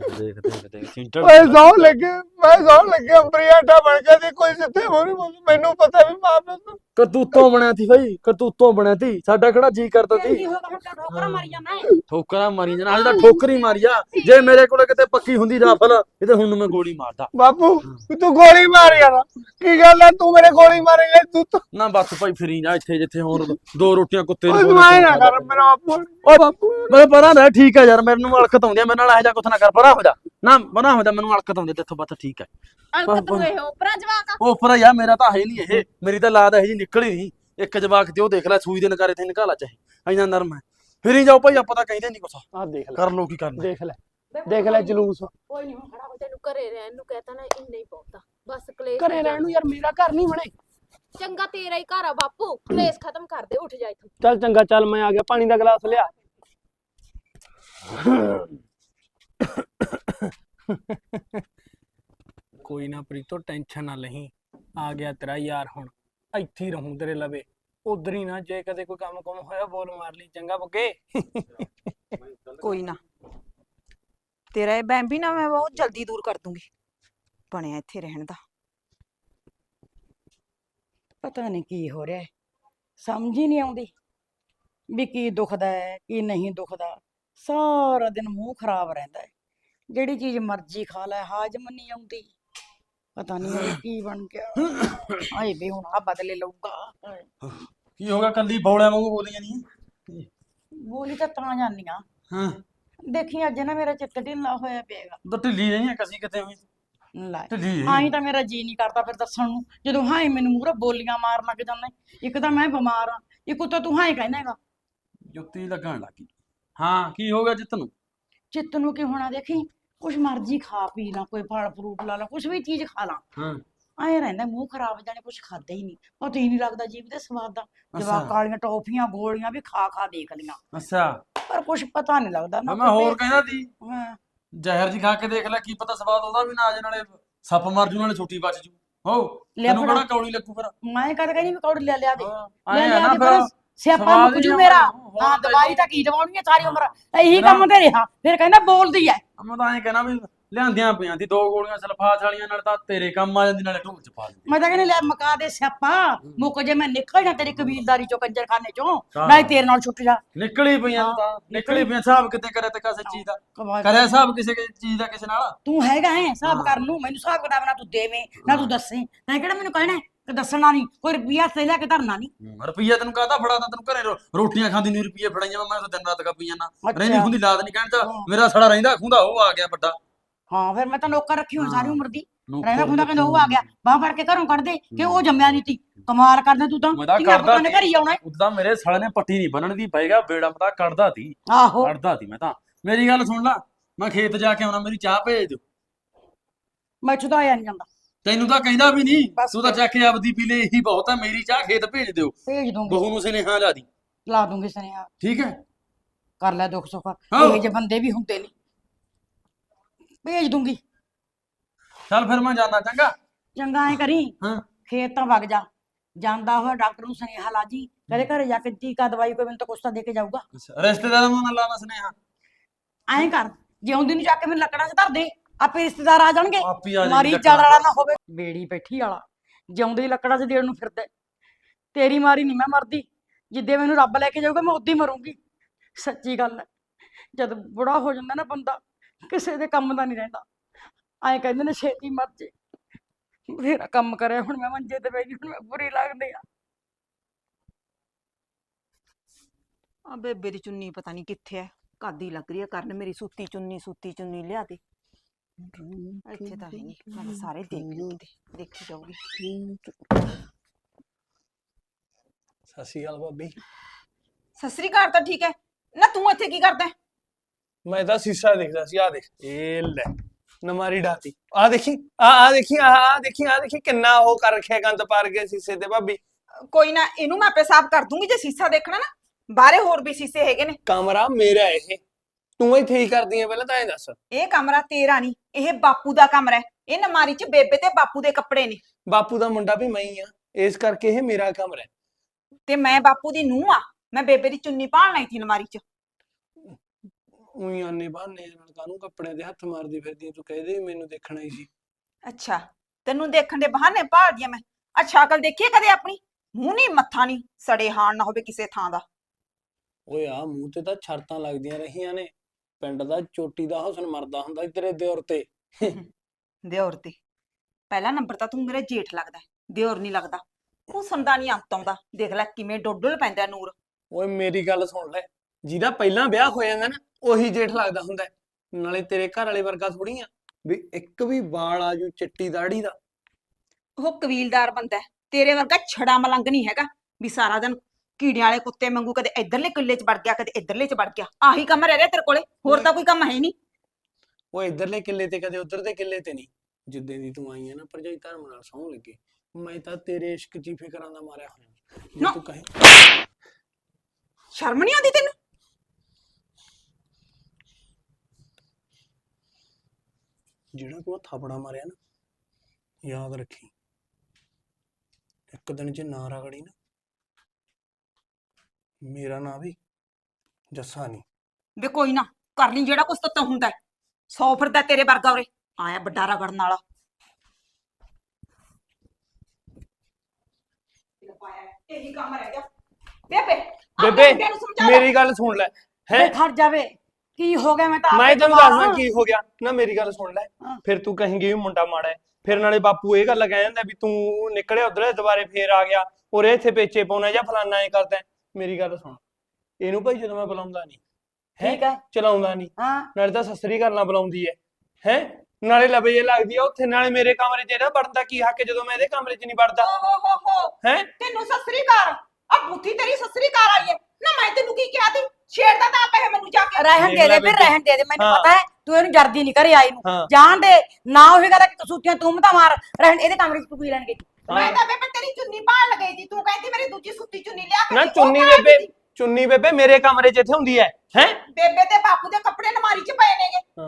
[SPEAKER 3] ਦੇਖ
[SPEAKER 1] ਓਏ ਸਹੁੰ ਲੱਗੇ ਅੰਬਰੀਆਟਾ ਬਣ ਕੇ ਤੇ ਕੋਈ ਸਿੱਧੇ ਹੋਣੀ ਮੈਨੂੰ ਪਤਾ ਵੀ ਮਾਂ ਪਿਓ
[SPEAKER 3] ਕਰਤੂਤੋਂ ਬਣਿਆ ਸੀ ਭਾਈ ਕਰਤੂਤੋਂ ਬਣਿਆ ਸੀ ਸਾਡਾ ਕਿਹੜਾ ਜੀ ਕਰਦਾ ਸੀ
[SPEAKER 2] ਠੋਕਰਾਂ ਮਾਰੀ ਜਾਂਦਾ
[SPEAKER 3] ਠੋਕਰਾਂ ਮਾਰੀ ਜਾਣਾ ਅੱਜ ਤਾਂ ਠੋਕਰੀ ਮਾਰੀ ਆ ਜੇ ਮੇਰੇ ਕੋਲ ਕਿਤੇ ਪੱਕੀ ਹੁੰਦੀ ਰਾਫਲ ਇਹ ਤੇ ਹੁਣ ਮੈਂ ਗੋਲੀ ਮਾਰਦਾ
[SPEAKER 1] ਬਾਪੂ ਤੂੰ ਗੋਲੀ ਮਾਰ ਯਾਰ ਕੀ ਗੱਲ ਹੈ ਤੂੰ ਮੇਰੇ ਗੋਲੀ ਮਾਰੇਗਾ ਤੂੰ
[SPEAKER 3] ਨਾ ਬਸ ਭਾਈ ਫਰੀ ਜਾ ਇੱਥੇ ਜਿੱਥੇ ਹੋਰ 2 ਰੋਟੀਆਂ ਕੁੱਤੇ ਨੂੰ
[SPEAKER 1] ਤੂੰ ਆਏ ਨਾ ਕਰ ਮੇਰਾ ਬਾਪੂ
[SPEAKER 3] ਓ ਬਾਪੂ ਮੈਂ ਪਰਾਂ ਦਾ ਠੀਕ ਹੈ ਯਾਰ ਮੈਨੂੰ ਅਲਕਤ ਆਉਂਦੀ ਆ ਮੇਰੇ ਨਾਲ ਇਹ ਜਾ ਕੁਛ ਨਾ ਕਰ ਪਰਾਂ ਹੋ ਜਾ ਨਾ ਬਣਾ ਹੋ ਜਾ ਮੈਨੂੰ ਅਲਕਤ ਆਉਂਦੀ ਤੇਥੋਂ ਬਸ ਠੀਕ ਹੈ
[SPEAKER 4] ਅੰਕ ਤੂੰ ਇਹ ਉਪਰਾਂ ਜਵਾਕ
[SPEAKER 3] ਉਹ ਉੱਪਰ ਯਾਰ ਮੇਰਾ ਤਾਂ ਹੈ ਨਹੀਂ ਇਹ ਮੇਰੀ ਤਾਂ ਲਾਦ ਇਹ ਜੀ ਨਿਕਲੀ ਨਹੀਂ ਇੱਕ ਜਵਾਕ ਤੇ ਉਹ ਦੇਖ ਲੈ ਸੂਈ ਦੇ ਨਕਾਰੇ ਤੇ ਨਿਕਾਲਾ ਚਾਹੇ ਇੰਨਾ ਨਰਮ ਹੈ ਫਿਰੀ ਜਾਓ ਭਾਈ ਆਪਾਂ ਤਾਂ ਕਹਿੰਦੇ ਨਹੀਂ ਕੁਛ
[SPEAKER 1] ਆਹ ਦੇਖ ਲੈ
[SPEAKER 3] ਕਰ ਲੋ ਕੀ ਕਰਨਾ
[SPEAKER 1] ਦੇਖ ਲੈ ਜਲੂਸ
[SPEAKER 2] ਕੋਈ ਨਹੀਂ ਹੁਣ ਖੜਾ ਹੋ
[SPEAKER 4] ਤੈਨੂੰ ਘਰੇ ਰਹਿਣ ਨੂੰ ਕਹਤਾ ਨਾ ਇੰਨਾ ਹੀ ਬਹੁਤਾ ਬਸ ਕਲੇਸ਼
[SPEAKER 1] ਘਰੇ ਰਹਿਣ ਨੂੰ ਯਾਰ ਮੇਰਾ ਘਰ ਨਹੀਂ ਬਣੇ
[SPEAKER 4] ਚੰਗਾ ਤੇਰਾ ਹੀ ਘਰ ਆ ਬਾਪੂ ਕਲੇਸ਼ ਖਤਮ ਕਰ ਦੇ ਉੱਠ ਜਾ ਇੱਥੋਂ
[SPEAKER 1] ਚੱਲ ਚੰਗਾ ਚੱਲ ਮੈਂ ਆ ਗਿਆ ਪਾਣੀ ਦਾ ਗਲਾਸ ਲਿਆ ਕੋਈ ਨਾ ਪ੍ਰੀਤੋ ਟੈਨਸ਼ਨ ਨਾ ਲਹੀਂ ਆ ਗਿਆ ਤੇਰਾ ਯਾਰ ਹੁਣ ਇੱਥੇ ਹੀ ਰਹੂੰ ਤੇਰੇ ਲਵੇ ਉਧਰ ਹੀ ਨਾ ਜੇ ਕਦੇ ਕੋਈ ਕੰਮ ਹੋਇਆ ਬੋਲ ਮਾਰ ਲਈ ਚੰਗਾ ਬੁੱਗੇ
[SPEAKER 5] ਕੋਈ ਨਾ ਤੇਰਾ ਇਹ ਬੈਂ ਵੀ ਨਾ ਮੈਂ ਬਹੁਤ ਜਲਦੀ ਦੂਰ ਕਰ ਦੂੰਗੀ ਬਣਿਆ ਇੱਥੇ ਰਹਿਣ ਦਾ
[SPEAKER 2] ਪਤਾ ਨਹੀਂ ਕੀ ਹੋ ਰਿਹਾ ਹੈ ਸਮਝ ਹੀ ਨਹੀਂ ਆਉਂਦੀ ਵੀ ਕੀ ਦੁਖਦਾ ਹੈ ਕੀ ਨਹੀਂ ਦੁਖਦਾ ਸਾਰਾ ਦਿਨ ਮੂੰਹ ਖਰਾਬ ਰਹਿੰਦਾ ਹੈ ਜਿਹੜੀ ਚੀਜ਼ ਮਰਜ਼ੀ ਖਾ ਲੈ ਹਾਜ਼ਮ ਨਹੀਂ ਆਉਂਦੀ ਪਤਾ ਨਹੀਂ ਇਹ ਕੀ ਬਣ ਗਿਆ ਆਏ ਵੇ ਹੁਣ ਆ ਬਦਲੇ ਲਊਗਾ
[SPEAKER 3] ਕੀ ਹੋਗਾ ਕੱਲੀ ਬੌਲਿਆਂ ਵਾਂਗੂ ਬੋਲੀਆਂ ਨਹੀਂ
[SPEAKER 2] ਬੋਲੀ ਤਾਂ ਜਾਂਦੀਆਂ
[SPEAKER 3] ਹਾਂ
[SPEAKER 2] ਦੇਖੀ ਅੱਜ ਨਾ ਮੇਰਾ ਚਿੱਤ ਢਿੱਲਾ ਹੋਇਆ ਪਿਆਗਾ
[SPEAKER 3] ਤਾਂ ਢਿੱਲੀ ਨਹੀਂ ਹੈ ਕਸੀ ਕਿਤੇ ਹੋਈ
[SPEAKER 2] ਲੈ
[SPEAKER 3] ਢਿੱਲੀ
[SPEAKER 2] ਆਈ ਤਾਂ ਮੇਰਾ ਜੀ ਨਹੀਂ ਕਰਦਾ ਫਿਰ ਦੱਸਣ ਨੂੰ ਜਦੋਂ ਹਾਏ ਮੈਨੂੰ ਮੂਹਰੇ ਬੋਲੀਆਂ ਮਾਰਨ ਲੱਗ ਜਾਂਦਾ ਇੱਕ ਤਾਂ ਮੈਂ ਬਿਮਾਰ ਆ ਇੱਕ ਉੱਤੋਂ ਤੂੰ ਹਾਏ ਕਹਿੰਦਾ ਹੈਗਾ
[SPEAKER 3] ਜੁੱਤੀ ਲੱਗਣ ਲੱਗੀ ਹਾਂ ਕੀ ਹੋ ਗਿਆ ਜਿੱਤ ਨੂੰ
[SPEAKER 2] ਚਿੱਤ ਨੂੰ ਕੀ ਹੋਣਾ ਦੇਖੀ ਕੁਛ ਮਰਜ਼ੀ ਖਾ ਪੀ ਲਾ ਕੋਈ ਫਲ ਫਰੂਟ ਲਾ ਲਾ ਕੁਛ ਵੀ ਚੀਜ਼ ਖਾ ਲਾ
[SPEAKER 3] ਹਾਂ
[SPEAKER 2] ਆਏ ਰਹਿੰਦਾ ਮੂੰਹ ਖਰਾਬ ਜਾਣੇ ਕੁਛ ਖਾਦਾ ਹੀ ਨਹੀਂ ਪਤਾ ਹੀ ਨਹੀਂ ਲੱਗਦਾ ਜੀਭ ਦੇ ਸਵਾਦ ਦਾ ਜਵਾਕ
[SPEAKER 3] ਅੱਛਾ।
[SPEAKER 2] ਕਾਲੀਆਂ ਟੌਫੀਆਂ ਗੋਲੀਆਂ ਵੀ ਖਾ ਦੇਖ ਲੀਆਂ
[SPEAKER 3] ਅੱਛਾ
[SPEAKER 2] ਪਰ ਕੁਛ ਪਤਾ ਨਹੀਂ ਲੱਗਦਾ ਨਾ
[SPEAKER 3] ਮੈਂ ਹੋਰ ਕਹਿੰਦਾ ਸੀ
[SPEAKER 2] ਹਾਂ
[SPEAKER 3] ਜ਼ਹਿਰ ਜੀ ਖਾ ਕੇ ਦੇਖ ਲੈ, ਕੀ ਪਤਾ ਸਵਾਦ ਉਹਦਾ ਵੀ ਨਾ ਆ ਜਾਏ, ਨਾਲੇ ਸੱਪ ਮਰ ਜੂ ਨਾਲੇ ਛੁੱਟੀ ਬਚ ਜੂ। ਹੋ
[SPEAKER 2] ਲੈ
[SPEAKER 3] ਤੈਨੂੰ
[SPEAKER 2] ਫੜਾ।
[SPEAKER 3] ਕਿਹੜਾ ਕੌੜੀ ਲੱਗੂ ਫਿਰ।
[SPEAKER 2] ਮੈਂ ਕਦ ਕਹਿੰਦੀ ਵੀ ਕੌੜੀ ਲੈ ਲਿਆ ਦੇ
[SPEAKER 3] ਹਾਂ,
[SPEAKER 2] ਲੈ
[SPEAKER 3] ਐਂ ਆ
[SPEAKER 2] ਲਿਆ
[SPEAKER 3] ਨਾ
[SPEAKER 2] ਦੇ
[SPEAKER 3] ਫਿਰ
[SPEAKER 2] ਪਰ ਸਿਆਪਾ
[SPEAKER 3] ਸਵਾਦ
[SPEAKER 2] ਮੁੱਕ
[SPEAKER 3] ਹੀ
[SPEAKER 2] ਜੂ
[SPEAKER 3] ਨਾ
[SPEAKER 2] ਮੇਰਾ।
[SPEAKER 3] ਹੋਰ
[SPEAKER 2] ਹਾਂ
[SPEAKER 3] ਤੈਨੂੰ-
[SPEAKER 2] ਦਵਾਈ ਤਾਂ ਕੀ ਦਵਾਉਣੀ ਹੈ ਸਾਰੀ ਉਮਰ ਇਹੀ
[SPEAKER 3] ਨਾ।
[SPEAKER 2] ਕੰਮ ਤੇ ਰਿਹਾ, ਫਿਰ ਕਹਿੰਦਾ ਬੋਲਦੀ ਐ।
[SPEAKER 3] ਮੈਂ ਤਾਂ ਐਂ ਕਹਿਣਾ ਵੀ ਲਿਆਂਦੀਆਂ ਪਈਆਂ ਸੀ 2 ਗੋਲੀਆਂ ਸਲਫਾਤ ਵਾਲੀਆਂ, ਨਾਲ ਤਾਂ ਤੇਰੇ ਕੰਮ ਆ ਜਾਂਦੀ ਨਾਲੇ ਢੋਲ ਚ ਪਾ ਦਿੰਦੀ।
[SPEAKER 2] ਮੈਂ ਤਾਂ ਕਹਿੰਦੀ ਲੈ ਮਕਾ ਦੇ ਸਿਆਪਾ ਮੁੱਕ ਜੇ ਮੈਂ ਨਿਕਲ ਜਾ ਤੇਰੀ ਕਬੀਲਦਾਰੀ ਚੋਂ ਕੰਜਰਖਾਨੇ ਚੋਂ
[SPEAKER 3] ਹਾਂ।
[SPEAKER 2] ਮੈਂ ਤੇਰੇ ਨਾਲ ਛੁੱਟ ਜਾ।
[SPEAKER 3] ਨਿਕਲੀ ਪਈਆਂ
[SPEAKER 2] ਹਾਂ,
[SPEAKER 3] ਤਾਂ ਨਿਕਲੀ ਪਈਆਂ। ਹਿਸਾਬ ਕਿਤੇ ਕਰੇ ਤੇ ਕਿਸੇ ਚੀਜ਼ ਦਾ
[SPEAKER 2] ਕਮਾਲ।
[SPEAKER 3] ਕਰਿਆ ਹਿਸਾਬ ਕਿਸੇ ਚੀਜ਼ ਦਾ ਕਿਸੇ ਨਾਲ।
[SPEAKER 2] ਤੂੰ ਹੈਗਾ ਹੈ ਹਿਸਾਬ
[SPEAKER 3] ਹਾਂ।
[SPEAKER 2] ਕਰਨ ਨੂੰ, ਮੈਨੂੰ ਹਿਸਾਬ ਕਿਤਾਬ ਨਾ ਤੂੰ ਦੇਵੇਂ ਨਾ ਤੂੰ ਦੱਸੇ, ਤੈਂ ਕਿਹੜਾ ਮੈਨੂੰ ਕਹਿਣਾ ਕਿ ਦੱਸਣਾ ਨਹੀਂ, ਕੋਈ ਰੁਪਈਆ ਸੇ ਲੈ ਕੇ ਧਰਨਾ ਨਹੀਂ।
[SPEAKER 3] ਰੁਪਈਆ ਤੈਨੂੰ ਕਾਹਦਾ ਫੜਾਦਾ, ਤੈਨੂੰ ਘਰੇ ਰੋਟੀਆਂ ਖਾਂਦੀ ਨਹੀਂ ਰੁਪਈਏ ਫੜਾਈਆਂ, ਮੈਂ ਤਾਂ ਦਿਨ ਰਾਤ ਕੱਪੀਆਂ ਨਾ
[SPEAKER 2] ਅੱਛਾ।
[SPEAKER 3] ਰਹਿੰਦੀ ਹੁੰਦੀ ਲਾਦ ਨਹੀਂ ਕਹਿਣ ਚ
[SPEAKER 2] ਹਾਂ।
[SPEAKER 3] ਮੇਰਾ ਸੜਾ ਰਹਿੰਦਾ ਖੁੰਦਾ ਉਹ ਆ ਗਿਆ ਵੱਡਾ।
[SPEAKER 2] ਹਾਂ ਫਿਰ ਮੈਂ ਤਾਂ ਨੌਕਰ ਰੱਖੀ ਹੁਣ ਸਾਰੀ ਉਮਰ ਦੀ,
[SPEAKER 3] ਨੌਕਰ
[SPEAKER 2] ਰਹਿਣਾ ਖੁੰਦਾ ਕਹਿੰਦਾ ਉਹ ਆ ਗਿਆ ਬਾਹ ਫੜ ਕੇ ਘਰੋਂ ਕੱਢ ਦੇ ਕਿ ਉਹ ਜੰਮਿਆ ਨਹੀਂ ਤੀ। ਕਮਾਲ ਕਰਦਾ ਤੂੰ ਤਾਂ,
[SPEAKER 3] ਮੈਂ ਤਾਂ
[SPEAKER 2] ਧੀਆਂ
[SPEAKER 3] ਕਰਦਾ
[SPEAKER 2] ਪੁੱਤਾਂ ਨੇ ਘਰ ਹੀ ਆਉਣਾ ਹੈ।
[SPEAKER 3] ਉਦਾਂ ਮੇਰੇ ਸਾਲੇ ਨੇ ਪੱਟੀ ਨਹੀਂ ਬੰਨਣ ਦੀ ਪਏਗਾ, ਬੇੜਾ ਮਤਾ ਕੱਢਦਾ ਤੀ
[SPEAKER 2] ਆਹੋ
[SPEAKER 3] ਕੱਢਦਾ ਤੀ। ਮੈਂ ਤਾਂ ਮੇਰੀ ਗੱਲ ਸੁਣ ਲੈ, ਮੈਂ ਖੇਤ ਜਾ ਕੇ ਆਉਣਾ, ਮੇਰੀ ਚਾਹ ਭੇਜ ਦਿਓ।
[SPEAKER 2] ਮੈਥੋਂ ਤਾਂ ਆਇਆ ਨਹੀਂ ਜਾਂਦਾ।
[SPEAKER 3] ਤੈਨੂੰ ਤਾਂ ਕਹਿੰਦਾ ਵੀ ਨਹੀਂ,
[SPEAKER 2] ਬਸ
[SPEAKER 3] ਤੂੰ ਤਾਂ ਜਾ ਕੇ ਆਪਦੀ ਪੀ ਲੈ, ਇਹੀ ਬਹੁਤ ਹੈ। ਮੇਰੀ ਚਾਹ ਖੇਤ ਭੇਜ ਦਿਓ,
[SPEAKER 2] ਭੇਜ ਦੂੰਗੀ,
[SPEAKER 3] ਬਹੂ ਨੂੰ ਸੁਨੇਹਾ ਲਾ ਦੀ,
[SPEAKER 2] ਲਾ ਦੂੰਗੀ ਸੁਨੇਹਾ,
[SPEAKER 3] ਠੀਕ ਹੈ।
[SPEAKER 2] ਕਰ ਲੈ ਦੁੱਖ ਸੁੱਖ।
[SPEAKER 3] ਹਾਂ।
[SPEAKER 2] ਇਹ ਜੇ ਬੰਦੇ ਵੀ ਹੁੰਦੇ ਨੇ, ਭੇਜ ਦੂੰਗੀ।
[SPEAKER 3] ਚੱਲ ਫਿਰ ਮੈਂ ਜਾਂਦਾ, ਚੰਗਾ।
[SPEAKER 2] ਚੰਗਾ ਐ ਕਰੀ
[SPEAKER 3] ਹਾਂ
[SPEAKER 2] ਖੇਤ ਤਾਂ ਵਗ ਜਾ, ਜਾਂਦਾ ਹੋਇਆ ਡਾਕਟਰ ਨੂੰ ਸੁਨੇਹਾ ਲਾ ਜੀ, ਕਦੇ ਘਰੇ ਜਾ ਕੇ ਟੀਕਾ ਦਵਾਈ ਕੋਈ ਮੈਨੂੰ ਤਾਂ ਕੁਛ ਤਾਂ ਦੇ ਕੇ ਜਾਊਗਾ।
[SPEAKER 3] ਰਿਸ਼ਤੇਦਾਰਾਂ ਨੂੰ ਨਾ ਲਾਣਾ ਸੁਨੇਹਾ।
[SPEAKER 2] ਐਂ ਕਰ ਜਿਉਂਦੀ ਨੂੰ ਜਾ ਕੇ ਮੈਨੂੰ ਲੱਕੜਾਂ 'ਚ ਧਰ ਦੇ, ਆਪੇ ਰਿਸ਼ਤੇਦਾਰ ਆ ਜਾਣਗੇ।
[SPEAKER 3] ਆਪ ਹੀ ਆ ਜਾਣਗੇ
[SPEAKER 2] ਮਾਰੀ
[SPEAKER 3] ਲੱਕੜਾਂ
[SPEAKER 2] ਚਾਲ ਵਾਲਾ ਨਾ ਹੋਵੇ, ਬੇੜੀ ਬੈਠੀ ਵਾਲਾ ਜਿਉਂਦੇ ਹੀ ਲੱਕੜਾਂ 'ਚ ਦੇਣ ਨੂੰ ਫਿਰਦਾ ਹੈ। ਤੇਰੀ ਮਾਰੀ ਨਹੀਂ ਮੈਂ ਮਰਦੀ, ਜਿੱਦੇ ਮੈਨੂੰ ਰੱਬ ਲੈ ਕੇ ਜਾਊਗਾ ਮੈਂ ਉਦੋਂ ਹੀ ਮਰੂੰਗੀ। ਸੱਚੀ ਗੱਲ ਹੈ, ਜਦ ਬੁੜਾ ਹੋ ਜਾਂਦਾ ਨਾ ਬੰਦਾ, ਕਿਸੇ ਦੇ ਕੰਮ ਦਾ ਨਹੀਂ ਰਹਿੰਦਾ। ਐਂ ਕਹਿੰਦੇ ਨੇ ਛੇਤੀ ਮਰ ਜੇ, ਬਥੇਰਾ ਕੰਮ ਕਰਿਆ, ਹੁਣ ਮੈਂ ਮੰਜੇ ਤੇ ਬਹਿ ਗਈ, ਹੁਣ ਮੈਂ ਬੁਰੀ ਲੱਗਦੀ ਆ।
[SPEAKER 5] ਆ ਬੇਬੇ ਦੀ ਚੁੰਨੀ ਪਤਾ ਨਹੀਂ ਕਿੱਥੇ ਐ, ਕਾਦੀ ਲੱਗ ਰਹੀ ਐ ਕਰਨ ਮੇਰੀ ਸੂਤੀ ਚੁੰਨੀ ਲਿਆ ਦੇ। ਇੱਥੇ ਤਾਂ ਹੈ ਨਹੀਂ, ਮੈਂ ਤਾਂ ਸਾਰੇ ਦੇਖ ਲਈ ਕਿਤੇ, ਦੇਖੀ ਜਾਊਗੀ।
[SPEAKER 6] ਸਤਿ ਸ਼੍ਰੀ ਅਕਾਲ ਭਾਬੀ।
[SPEAKER 5] ਸਤਿ ਸ੍ਰੀ ਅਕਾਲ ਤਾਂ ਠੀਕ ਹੈ ਨਾ, ਤੂੰ ਇੱਥੇ ਕੀ ਕਰਦਾ ਹੈ?
[SPEAKER 6] ਮੈਂ ਤਾਂ ਸੀਸਾ ਦੇਖਦਾ ਸੀ, ਆ ਦੇਖ, ਇਹ ਲੈ ਨਮਾਰੀ ਡਾਤੀ, ਆ ਦੇਖੀ, ਆ ਦੇਖੀ, ਆ ਦੇਖੀ, ਆ ਦੇਖੀ ਕਿੰਨਾ ਉਹ ਕਰ ਰੱਖਿਆ, ਗੰਦ ਪਾਰ ਗਿਆ ਸੀਸੇ ਤੇ ਭਾਬੀ।
[SPEAKER 5] ਕੋਈ ਨਾ, ਇਹਨੂੰ ਮੈਂ ਆਪੇ ਸਾਫ਼ ਕਰ ਦੂੰਗੀ। ਜੇ ਸੀਸਾ ਦੇਖਣਾ ਨਾ, ਬਾਹਰੇ ਹੋਰ ਵੀ ਸੀਸੇ ਹੈਗੇ ਨੇ।
[SPEAKER 6] ਕਮਰਾ ਮੇਰਾ ਇਹ, ਤੂੰ ਇੱਥੇ ਹੀ ਕਰਦੀ ਹੈ ਪਹਿਲਾਂ ਤਾਂ ਇਹ ਦੱਸ।
[SPEAKER 5] ਇਹ ਕਮਰਾ ਤੇਰਾ ਨਹੀਂ, ਇਹ ਬਾਪੂ ਦਾ ਕਮਰਾ ਹੈ। ਇਹ ਨਮਾਰੀ 'ਚ ਬੇਬੇ ਤੇ ਬਾਪੂ ਦੇ ਕੱਪੜੇ ਨੇ,
[SPEAKER 6] ਬਾਪੂ ਦਾ ਮੁੰਡਾ ਵੀ ਮੈਂ ਹੀ ਆ, ਇਸ ਕਰਕੇ ਇਹ ਮੇਰਾ ਕਮਰਾ ਹੈ।
[SPEAKER 5] ਤੇ ਮੈਂ ਬਾਪੂ ਦੀ ਨੂੰਹ ਆ। ਮੈਂ ਬੇਬੇ ਦੀ ਚੁੰਨੀ ਪਾਣ ਲਈ ਸੀ ਨਮਾਰੀ 'ਚ।
[SPEAKER 6] ਉਹੀ ਆਨੇ ਬਹਾਨੇ ਨਾਲ ਕਾਹਨੂੰ ਕੱਪੜਿਆਂ ਦੇ ਹੱਥ ਮਾਰਦੀ ਫਿਰਦੀ, ਤੂੰ ਕਹਦੇ ਮੈਨੂੰ ਦੇਖਣਾ ਹੀ ਸੀ।
[SPEAKER 5] ਅੱਛਾ, ਤੈਨੂੰ ਦੇਖਣ ਦੇ ਬਹਾਨੇ ਭਾਲਦੀ ਆ ਮੈਂ। ਆ ਸ਼ਕਲ ਦੇਖੀ ਕਦੇ ਆਪਣੀ? ਮੂੰਹ ਨਹੀਂ ਮੱਥਾ ਨਹੀਂ, ਸੜੇ ਹਾਣ ਨਾ ਹੋਵੇ ਕਿਸੇ ਥਾਂ ਦਾ।
[SPEAKER 6] ਓਏ ਆ ਮੂੰਹ ਤੇ ਤਾਂ ਛਰਤਾਂ ਲੱਗਦੀਆਂ ਰਹੀਆਂ ਨੇ, ਪਿੰਡ ਦਾ ਚੋਟੀ ਦਾ ਹੁਸਨ ਮਰਦਾ ਹੁੰਦਾ ਸੀ ਤੇਰੇ ਦਿਓਰ ਤੇ।
[SPEAKER 5] ਦਿਓਰ ਤੇ ਪਹਿਲਾ ਨੰਬਰ ਤਾਂ ਤੂੰ ਮੇਰੇ ਜੇਠ ਲੱਗਦਾ, ਦਿਓਰ ਨਹੀਂ ਲੱਗਦਾ। ਉਹ ਸੁਣਦਾ ਨਹੀਂ ਅੰਤ ਆਉਂਦਾ, ਦੇਖ ਲੈ ਕਿਵੇਂ ਡੋਡਲ ਪੈਂਦਾ ਨੂਰ।
[SPEAKER 6] ਓਏ ਮੇਰੀ ਗੱਲ ਸੁਣ ਲੈ, ਜਿਹਦਾ ਪਹਿਲਾਂ ਵਿਆਹ ਹੋ ਜਾਂਦਾ ਨਾ ਉਹੀ ਜੇਠ ਲੱਗਦਾ ਹੁੰਦਾ ਹੈ। ਨਾਲੇ ਤੇਰੇ ਘਰ ਵਾਲੇ ਵਰਗਾ ਥੋੜੀ ਆ ਵੀ ਇੱਕ ਵੀ ਵਾਲ ਆਜੂ ਚਿੱਟੀ ਦਾੜੀ ਦਾ।
[SPEAKER 5] ਉਹ ਕਬੀਲਦਾਰ ਬੰਦਾ ਹੈ, ਤੇਰੇ ਵਰਗਾ ਛੜਾ ਮਲੰਗ ਨਹੀਂ ਹੈਗਾ ਵੀ ਸਾਰਾ ਦਿਨ ਕੀੜਿਆਂ ਵਾਲੇ ਕੁੱਤੇ ਵਾਂਗੂ ਕਦੇ ਇਧਰਲੇ ਕਿੱਲੇ 'ਚ ਵੜ ਗਿਆ, ਕਦੇ ਇਧਰਲੇ 'ਚ ਵੜ ਗਿਆ। ਆਹੀ ਕੰਮ ਰਹਿ ਰਿਹਾ ਤੇਰੇ ਕੋਲੇ, ਹੋਰ ਤਾਂ ਕੋਈ ਕੰਮ ਹੈ ਨਹੀਂ।
[SPEAKER 6] ਉਹ ਇਧਰਲੇ ਕਿੱਲੇ ਤੇ ਕਦੇ ਉਧਰ ਦੇ ਕਿੱਲੇ ਤੇ ਨਹੀਂ। ਜਿੱਦੇ ਦੀ ਤੂੰ ਆਈ ਹੈ ਨਾ ਭਰਜਾਈ, ਧਰਮ ਨਾਲ ਸਹੁੰ ਲੱਗੇ, ਮੈਂ ਤਾਂ ਤੇਰੇ ਇਸ਼ਕ 'ਚ ਹੀ ਫਿਕਰਾਂ ਦਾ ਮਾਰਿਆ ਹੋਇਆ। ਜੇ
[SPEAKER 5] ਨਾ।
[SPEAKER 6] ਤੂੰ ਕਹੇ
[SPEAKER 5] ਸ਼ਰਮ ਨਹੀਂ ਆਉਂਦੀ ਤੈਨੂੰ?
[SPEAKER 6] ਜਿਹੜਾ ਤੂੰ ਥਾਪੜਾ ਮਾਰਿਆ ਨਾ, ਯਾਦ ਰੱਖੀ, ਇੱਕ ਦਿਨ ਜੇ ਨਾ ਰਗੜੀ ਨਾ, ਮੇਰਾ ਨਾਂ ਵੀ ਜੱਸਾ ਨਹੀਂ।
[SPEAKER 5] ਵੇ ਕੋਈ ਨਾ, ਕਰ ਲਈ ਜਿਹੜਾ ਕੁਛ ਤਾਂ ਹੁੰਦਾ ਹੈ। 100 ਫਿਰਦਾ ਤੇਰੇ ਵਰਗਾ ਉਰੇ ਆਇਆ ਵੱਡਾ ਰਗੜਨ ਵਾਲਾ। ਇਹੀ ਕੰਮ ਰਹਿ ਗਿਆ। ਬੇਬੇ
[SPEAKER 6] ਬੇਬੇ ਮੇਰੀ ਗੱਲ ਸੁਣ ਲੈ, ਹੈ
[SPEAKER 2] ਖੜ ਜਾਵੇ, ਕੀ ਹੋ ਗਿਆ? ਮੈਂ ਤਾਂ
[SPEAKER 6] ਮੈਂ
[SPEAKER 2] ਆਪੇ
[SPEAKER 6] ਤੈਨੂੰ
[SPEAKER 2] ਬਿਮਾਰ
[SPEAKER 6] ਦੱਸਦਾ
[SPEAKER 2] ਹਾਂ।
[SPEAKER 6] ਕੀ ਹੋ ਗਿਆ ਨਾ, ਮੇਰੀ ਗੱਲ ਸੁਣ ਲੈ।
[SPEAKER 2] ਹਾਂ।
[SPEAKER 6] ਫਿਰ ਤੂੰ ਕਹੇਂਗੀ ਵੀ ਮੁੰਡਾ ਮਾੜਾ ਹੈ, ਫਿਰ ਨਾਲੇ ਬਾਪੂ ਇਹ ਗੱਲ ਕਹਿ ਜਾਂਦਾ ਵੀ ਤੂੰ ਨਿਕਲਿਆ ਉਧਰ ਦੁਬਾਰੇ ਫੇਰ ਆ ਗਿਆ, ਉਰੇ ਇੱਥੇ ਪੇਚੇ ਪਾਉਣਾ ਜਾਂ ਫਲਾਨਾ ਐ ਕਰਦਾ। ਮੇਰੀ ਗੱਲ ਸੁਣ, ਇਹਨੂੰ ਭਾਈ ਜਦੋਂ ਮੈਂ ਬੁਲਾਉਂਦਾ ਨਹੀਂ
[SPEAKER 2] ਠੀਕ ਹੈ।
[SPEAKER 6] ਚਲਾਉਂਦਾ ਨਹੀਂ,
[SPEAKER 2] ਹਾਂ
[SPEAKER 6] ਨਾਲੇ ਤਾਂ ਸੱਸਰੀ ਕਰਨਾ ਬੁਲਾਉਂਦੀ ਹੈ ਨਾਲੇ ਲਵੇ ਜੇ ਲੱਗਦੀ ਆ ਉੱਥੇ, ਨਾਲੇ ਮੇਰੇ ਕਮਰੇ 'ਚ ਇਹਦਾ ਵੜਨ ਦਾ ਕੀ ਹੱਕ ਜਦੋਂ ਮੈਂ ਇਹਦੇ ਕਮਰੇ 'ਚ ਨਹੀਂ ਵੜਦਾ।
[SPEAKER 5] ਓਹੋ
[SPEAKER 6] ਹੈ
[SPEAKER 5] ਤੈਨੂੰ ਸਸਰੀ ਘਰ ਆ ਬੁੱਧੀ ਤੇਰੀ ਸਸਰੀ ਘਰ ਆਈ ਹੈ ਨਾ। ਮੈਂ ਤੈਨੂੰ ਕੀ ਕਿਹਾ ਤੀ? ਛੇੜਦਾ ਤਾਂ ਆਪੇ ਮੈਨੂੰ ਜਾ ਕੇ।
[SPEAKER 2] ਰਹਿਣ ਦੇ ਦੇ ਫਿਰ, ਰਹਿਣ ਦੇ ਦੇ, ਮੈਨੂੰ
[SPEAKER 6] ਹਾਂ।
[SPEAKER 2] ਪਤਾ ਹੈ ਤੂੰ ਇਹਨੂੰ ਜਰਦੀ ਨਹੀਂ ਘਰੇ ਆਈ ਨੂੰ।
[SPEAKER 6] ਹਾਂ।
[SPEAKER 2] ਜਾਣ ਦੇ ਨਾ, ਉਹੀ ਗੱਲ ਕਿ ਕਸੂਤੀਆਂ ਤੂੰ ਮਤਾ ਮਾਰ। ਰਹਿਣ, ਇਹਦੇ ਕਮਰੇ 'ਚ ਤੂੰ ਕੀ ਲੈਣ ਗਈ?
[SPEAKER 5] ਮੈਂ ਤਾਂ ਬੇਬੇ ਤੇਰੀ ਚੁੰਨੀ ਪਾਣ ਲਗਈ ਸੀ, ਤੂੰ ਕਹਿੰਦੀ ਮੇਰੀ ਦੂਜੀ ਸੁੱਤੀ ਚੁੰਨੀ ਲਿਆ ਕੇ
[SPEAKER 6] ਨਾ
[SPEAKER 5] ਦੇ, ਉਹ
[SPEAKER 6] ਚੁੰਨੀ
[SPEAKER 5] ਪਾਣ
[SPEAKER 6] ਬੇਬੇ,
[SPEAKER 5] ਦਿੱਤੀ।
[SPEAKER 6] ਚੁੰਨੀ ਬੇਬੇ ਮੇਰੇ ਕਮਰੇ 'ਚ ਇੱਥੇ ਹੁੰਦੀ ਹੈ।
[SPEAKER 5] ਬੇਬੇ ਤੇ ਬਾਪੂ ਦੇ ਕੱਪੜੇ ਨਮਾਰੀ 'ਚ ਪਏ ਨੇਗੇ।
[SPEAKER 6] ਹਾਂ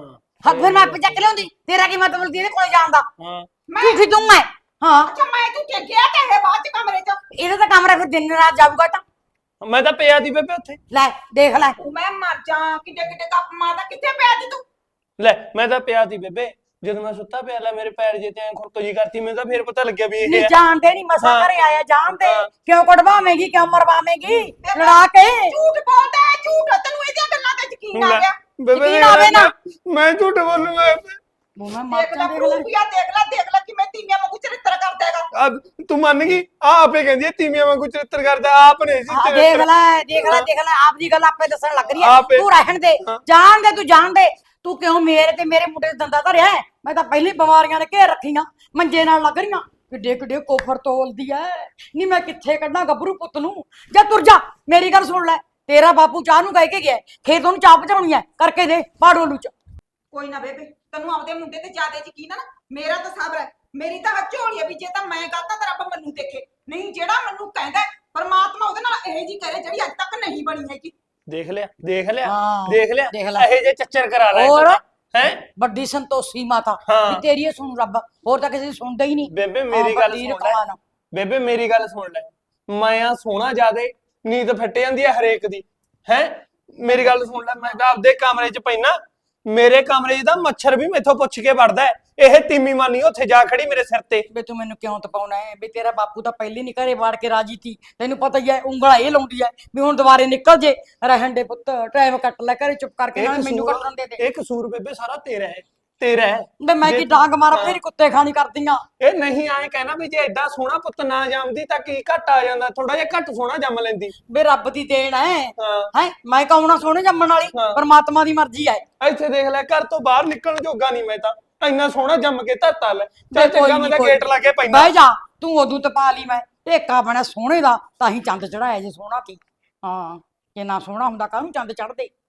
[SPEAKER 2] ਹਾਂ ਫਿਰ ਮੈਂ ਆਪੇ ਚੱਕ ਲਿਆਉਂਦੀ ਤੇਰਾ ਕੀ ਮਤਲਬ ਦੀ ਇਹਦੇ ਕੋਲੇ ਜਾਣ ਦਾ
[SPEAKER 6] ਹਾਂ
[SPEAKER 2] ਝੂਠੀ ਤੂੰ ਹੈ ਹਾਂ
[SPEAKER 5] ਅੱਛਾ ਮੈਂ ਤੂੰ ਗਿਆ ਤੇ ਇਹ ਬਾਅਦ ਚ ਕਮਰੇ ਚ
[SPEAKER 2] ਇਹਦਾ ਤਾਂ ਕਮਰਾ ਫਿਰ ਦਿਨ ਰਾਤ ਜਾਊਗਾ ਤਾਂ
[SPEAKER 6] ਮੈਂ ਤਾਂ ਪਿਆ ਦੀ ਬੇਬੇ ਉੱਥੇ
[SPEAKER 2] ਲੈ ਦੇਖ ਲੈ
[SPEAKER 5] ਮੈਂ ਮਰ ਜਾ ਕਿੱਡੇ ਕਿੱਡੇ ਕੱਪ ਮਾਰਦਾ ਕਿੱਥੇ ਪਿਆ ਸੀ ਤੂੰ
[SPEAKER 6] ਲੈ ਮੈਂ ਤਾਂ ਪਿਆ ਦੀ ਬੇਬੇ ਜਦੋਂ ਮੈਂ ਸੁੱਤਾ ਪਿਆ ਲੈ ਮੇਰੇ ਪੈਰ ਜੇ ਤੇ ਐਂ ਖੁਰਕ ਜੀ ਕਰਤੀ ਮੈਨੂੰ ਤਾਂ ਫੇਰ ਪਤਾ ਲੱਗਿਆ ਵੀ ਇਹ
[SPEAKER 2] ਨਹੀਂ
[SPEAKER 6] ਹੈ
[SPEAKER 2] ਜਾਣਦੇ ਨਹੀਂ ਮਸਾ
[SPEAKER 6] ਹਾਂ।
[SPEAKER 2] ਘਰੇ ਆਇਆ ਜਾਣਦੇ
[SPEAKER 6] ਹਾਂ।
[SPEAKER 2] ਕਿਉਂ ਕਢਵਾਵੇਂਗੀ ਕਿਉਂ ਮਰਵਾਵੇਂਗੀ ਲੜਾ ਕੇ
[SPEAKER 5] ਝੂਠ ਬੋਲਦਾ ਹੈ ਝੂਠ ਤੈਨੂੰ ਇਹਦੀਆਂ ਗੱਲਾਂ ਤੇ ਯਕੀਨ ਆ
[SPEAKER 6] ਲੈ,
[SPEAKER 5] ਗਿਆ
[SPEAKER 6] ਬੇਬੇ
[SPEAKER 2] ਯਕੀਨ ਆਵੇ ਨਾ।
[SPEAKER 6] ਮੈਂ ਝੂਠ ਬੋਲੂਗਾ
[SPEAKER 2] ਮੈਂ ਮਰ
[SPEAKER 5] ਦੇਖ ਲੈ
[SPEAKER 2] ਜਾ
[SPEAKER 5] ਪ੍ਰੂਫ ਆ ਦੇਖ ਲੈ ਕਿਵੇਂ ਤੀਵੀਆਂ ਵਾਂਗੂ ਚਰਿੱਤਰ ਕਰਦਾ ਹੈਗਾ
[SPEAKER 6] ਤੂੰ ਮੰਨ ਗਈ ਆ ਆਪੇ ਕਹਿੰਦੀ ਹੈ ਤੀਵੀਆਂ ਵਾਂਗੂ ਚਰਿੱਤਰ ਕਰਦਾ ਆਪ ਨੇ ਸੀ
[SPEAKER 2] ਦੇਖ
[SPEAKER 6] ਚਰਿੱਤਰ
[SPEAKER 2] ਲੈ ਦੇਖ ਲੈ ਆਪ ਦੀ ਗੱਲ ਆਪੇ ਦੱਸਣ ਲੱਗ ਰਹੀ ਹੈ
[SPEAKER 6] ਆਪੇ।
[SPEAKER 2] ਤੂੰ ਰਹਿਣ ਦੇ
[SPEAKER 6] ਹਾਂ।
[SPEAKER 2] ਜਾਣ ਦੇ ਤੂੰ ਜਾਣ ਦੇ ਤੂੰ ਕਿਉਂ ਮੇਰੇ ਤੇ ਮੇਰੇ ਮੁੰਡੇ ਦੇ ਦੰਦਾ ਧਰਿਆ ਹੈ? ਮੈਂ ਤਾਂ ਪਹਿਲੀ ਬਿਮਾਰੀਆਂ ਨੇ ਘੇਰ ਰੱਖੀਆਂ ਮੰਜੇ ਨਾਲ ਲੱਗ ਰਹੀਆਂ ਕਿੱਡੇ ਕਿੱਡੇ ਕੋਫਰ ਤੋਲਦੀ ਐ ਨਹੀਂ ਮੈਂ ਕਿੱਥੇ ਕੱਢਾਂ ਗੱਭਰੂ ਪੁੱਤ ਨੂੰ ਜਾ ਤੁਰ ਜਾ ਮੇਰੀ ਗੱਲ ਸੁਣ ਲੈ ਤੇਰਾ ਬਾਪੂ ਚਾਹ ਨੂੰ ਕਹਿ ਕੇ ਗਿਆ ਖੇਤ ਉਹਨੂੰ ਚਾਹ ਪਚਾਉਣੀ ਐ ਕਰਕੇ ਦੇ ਪਾੜੋਲੂ ਚ
[SPEAKER 5] ਕੋਈ ਨਾ ਬੇਬੇ ਤੈਨੂੰ ਆਪਦੇ ਮੁੰਡੇ ਤੇ ਜ਼ਿਆਦਾ ਯਕੀਨ ਆ ਨਾ ਮੇਰਾ ਤਾਂ ਸਬਰ ਹੈ ਮੇਰੀ ਤਾਂ ਝੋਲੀ ਹੈ ਵੀ ਜੇ ਤਾਂ ਮੈਂ ਗਲਤ ਆ ਤਾਂ ਰੱਬ ਮੈਨੂੰ ਦੇਖੇ ਨਹੀਂ ਜਿਹੜਾ ਮੈਨੂੰ ਕਹਿੰਦਾ ਹੈ, ਪਰਮਾਤਮਾ ਉਹਦੇ ਨਾਲ ਇਹ ਜੀ ਕਰੇ ਜਿਹੜੀ ਅੱਜ ਤੱਕ ਨਹੀਂ ਬਣੀ ਹੈਗੀ
[SPEAKER 6] ਦੇਖ ਲਿਆ
[SPEAKER 2] ਹਾਂ, ਦੇਖ
[SPEAKER 6] ਦੇਖ
[SPEAKER 2] ਲੈ।
[SPEAKER 6] ਲਿਆ ਇਹ ਜੇ ਚੱਚਰ ਕਰਾ ਲੈ
[SPEAKER 2] ਹੋਰ?
[SPEAKER 6] ਹੈ
[SPEAKER 2] ਵੱਡੀ ਸੰਤੋਸ਼ੀ ਮਾਤਾ
[SPEAKER 6] ਹਾਂ।
[SPEAKER 2] ਵੀ ਤੇਰੀ ਇਹ ਸੁਣ ਰੱਬ ਹੋਰ ਤਾਂ ਕਿਸੇ ਦੀ ਸੁਣਦਾ ਹੀ ਨਹੀਂ
[SPEAKER 6] ਬੇਬੇ ਮੇਰੀ ਗੱਲ ਸੁਣ ਲੈ ਬੇਬੇ ਮੇਰੀ ਗੱਲ ਸੁਣ ਲੈ ਮੈਂ ਆ ਸੋਹਣਾ ਜਿਆਦੇ ਨੀਂਦ ਫੱਟ ਜਾਂਦੀ ਹੈ ਹਰੇਕ ਦੀ ਹੈ ਮੇਰੀ ਗੱਲ ਸੁਣ ਲੈ ਮੈਂ ਤਾਂ ਆਪਦੇ ਕਮਰੇ 'ਚ ਪੈਣਾ ਮੇਰੇ ਕਮਰੇ 'ਚ ਤਾਂ ਮੱਛਰ ਵੀ ਮੈਥੋਂ ਪੁੱਛ ਕੇ ਵੜਦਾ ਹੈ। ਇਹ ਤੀਮੀ ਮਾਨੀ ਉੱਥੇ ਜਾ ਖੜੀ ਮੇਰੇ ਸਿਰ ਤੇ
[SPEAKER 2] ਬੇ ਤੂੰ ਮੈਨੂੰ ਕਿਉਂ ਤਪਾਉਣਾ ਹੈ ਵੀ ਤੇਰਾ ਬਾਪੂ ਤਾਂ ਪਹਿਲੇ ਨਹੀਂ ਘਰੇ ਵਾੜ ਕੇ ਰਾਜੀ ਸੀ ਤੈਨੂੰ ਪਤਾ ਹੀ ਹੈ ਉਂਗਲਾਂ ਇਹ ਲਾਉਂਦੀ ਹੈ ਵੀ ਹੁਣ ਦੁਬਾਰੇ ਨਿਕਲ ਜੇ ਰਹਿਣ ਦੇ ਪੁੱਤ ਟਾਈਮ ਕੱਟ ਲੈ ਘਰੇ ਚੁੱਪ ਕਰਕੇ ਨਾਲ ਮੈਨੂੰ ਕੱਟਣ ਦੇ ਦੇ
[SPEAKER 6] ਇਹ ਕਸੂਰ ਬੇਬੇ ਸਾਰਾ ਤੇਰਾ ਹੈ ਤੇਰਾ ਹੈ
[SPEAKER 2] ਬੇ ਮੈਂ ਕੀ ਡਾਂਗ ਮਾਰਾਂ ਫੇਰ ਕੁੱਤੇ ਖਾਣੀ ਕਰਦੀਆਂ
[SPEAKER 6] ਇਹ ਨਹੀਂ ਆਏ ਕਹਿਣਾ ਵੀ ਜੇ ਐਡਾ ਸੋਹਣਾ ਪੁੱਤ ਨਾ ਜੰਮਦੀ ਤਾਂ ਕੀ ਘੱਟ ਆ ਜਾਂਦਾ ਥੋੜਾ ਜਿਹਾ ਘੱਟ ਸੋਹਣਾ ਜੰਮ ਲੈਂਦੀ
[SPEAKER 2] ਬੇ ਰੱਬ ਦੀ ਦੇਣ ਹੈ
[SPEAKER 6] ਹਾਂ
[SPEAKER 2] ਹੈ ਮੈਂ ਕਹੂਣਾ ਸੋਹਣੇ ਜੰਮਣ ਵਾਲੀ
[SPEAKER 6] ਹਾਂ।
[SPEAKER 2] ਪਰਮਾਤਮਾ ਦੀ ਮਰਜ਼ੀ ਹੈ
[SPEAKER 6] ਇੱਥੇ ਦੇਖ ਲੈ ਘਰ ਤੋਂ ਬਾਹਰ ਨਿਕਲਣ ਜੋਗਾ ਨਹੀਂ ਮੈਂ ਤਾਂ ਇੰਨਾ ਸੋਹਣਾ ਜੰਮ ਕੇ ਧਰਤਾ ਲੈ
[SPEAKER 2] ਬੇ
[SPEAKER 6] ਚੱਲ
[SPEAKER 2] ਕੋਈ
[SPEAKER 6] ਚੰਗਾ
[SPEAKER 2] ਨੀ,
[SPEAKER 6] ਮੈਂ ਤਾਂ
[SPEAKER 2] ਕੋਈ
[SPEAKER 6] ਗੇਟ ਲਾ ਕੇ ਪੈਂਦਾ
[SPEAKER 2] ਬਹਿ ਜਾ ਤੂੰ ਉਦੋਂ ਤਪਾ ਲਈ ਮੈਂ ਢੇਕਾ ਬਣਾ ਸੋਹਣੇ ਦਾ ਤਾਂ ਹੀ ਚੰਦ ਚੜਾਇਆ ਜੇ ਸੋਹਣਾ ਕੀ ਹਾਂ ਜੇ ਨਾ ਸੋਹਣਾ ਹੁੰਦਾ ਕਾਹਨੂੰ ਚੰਦ ਚੜਦੇ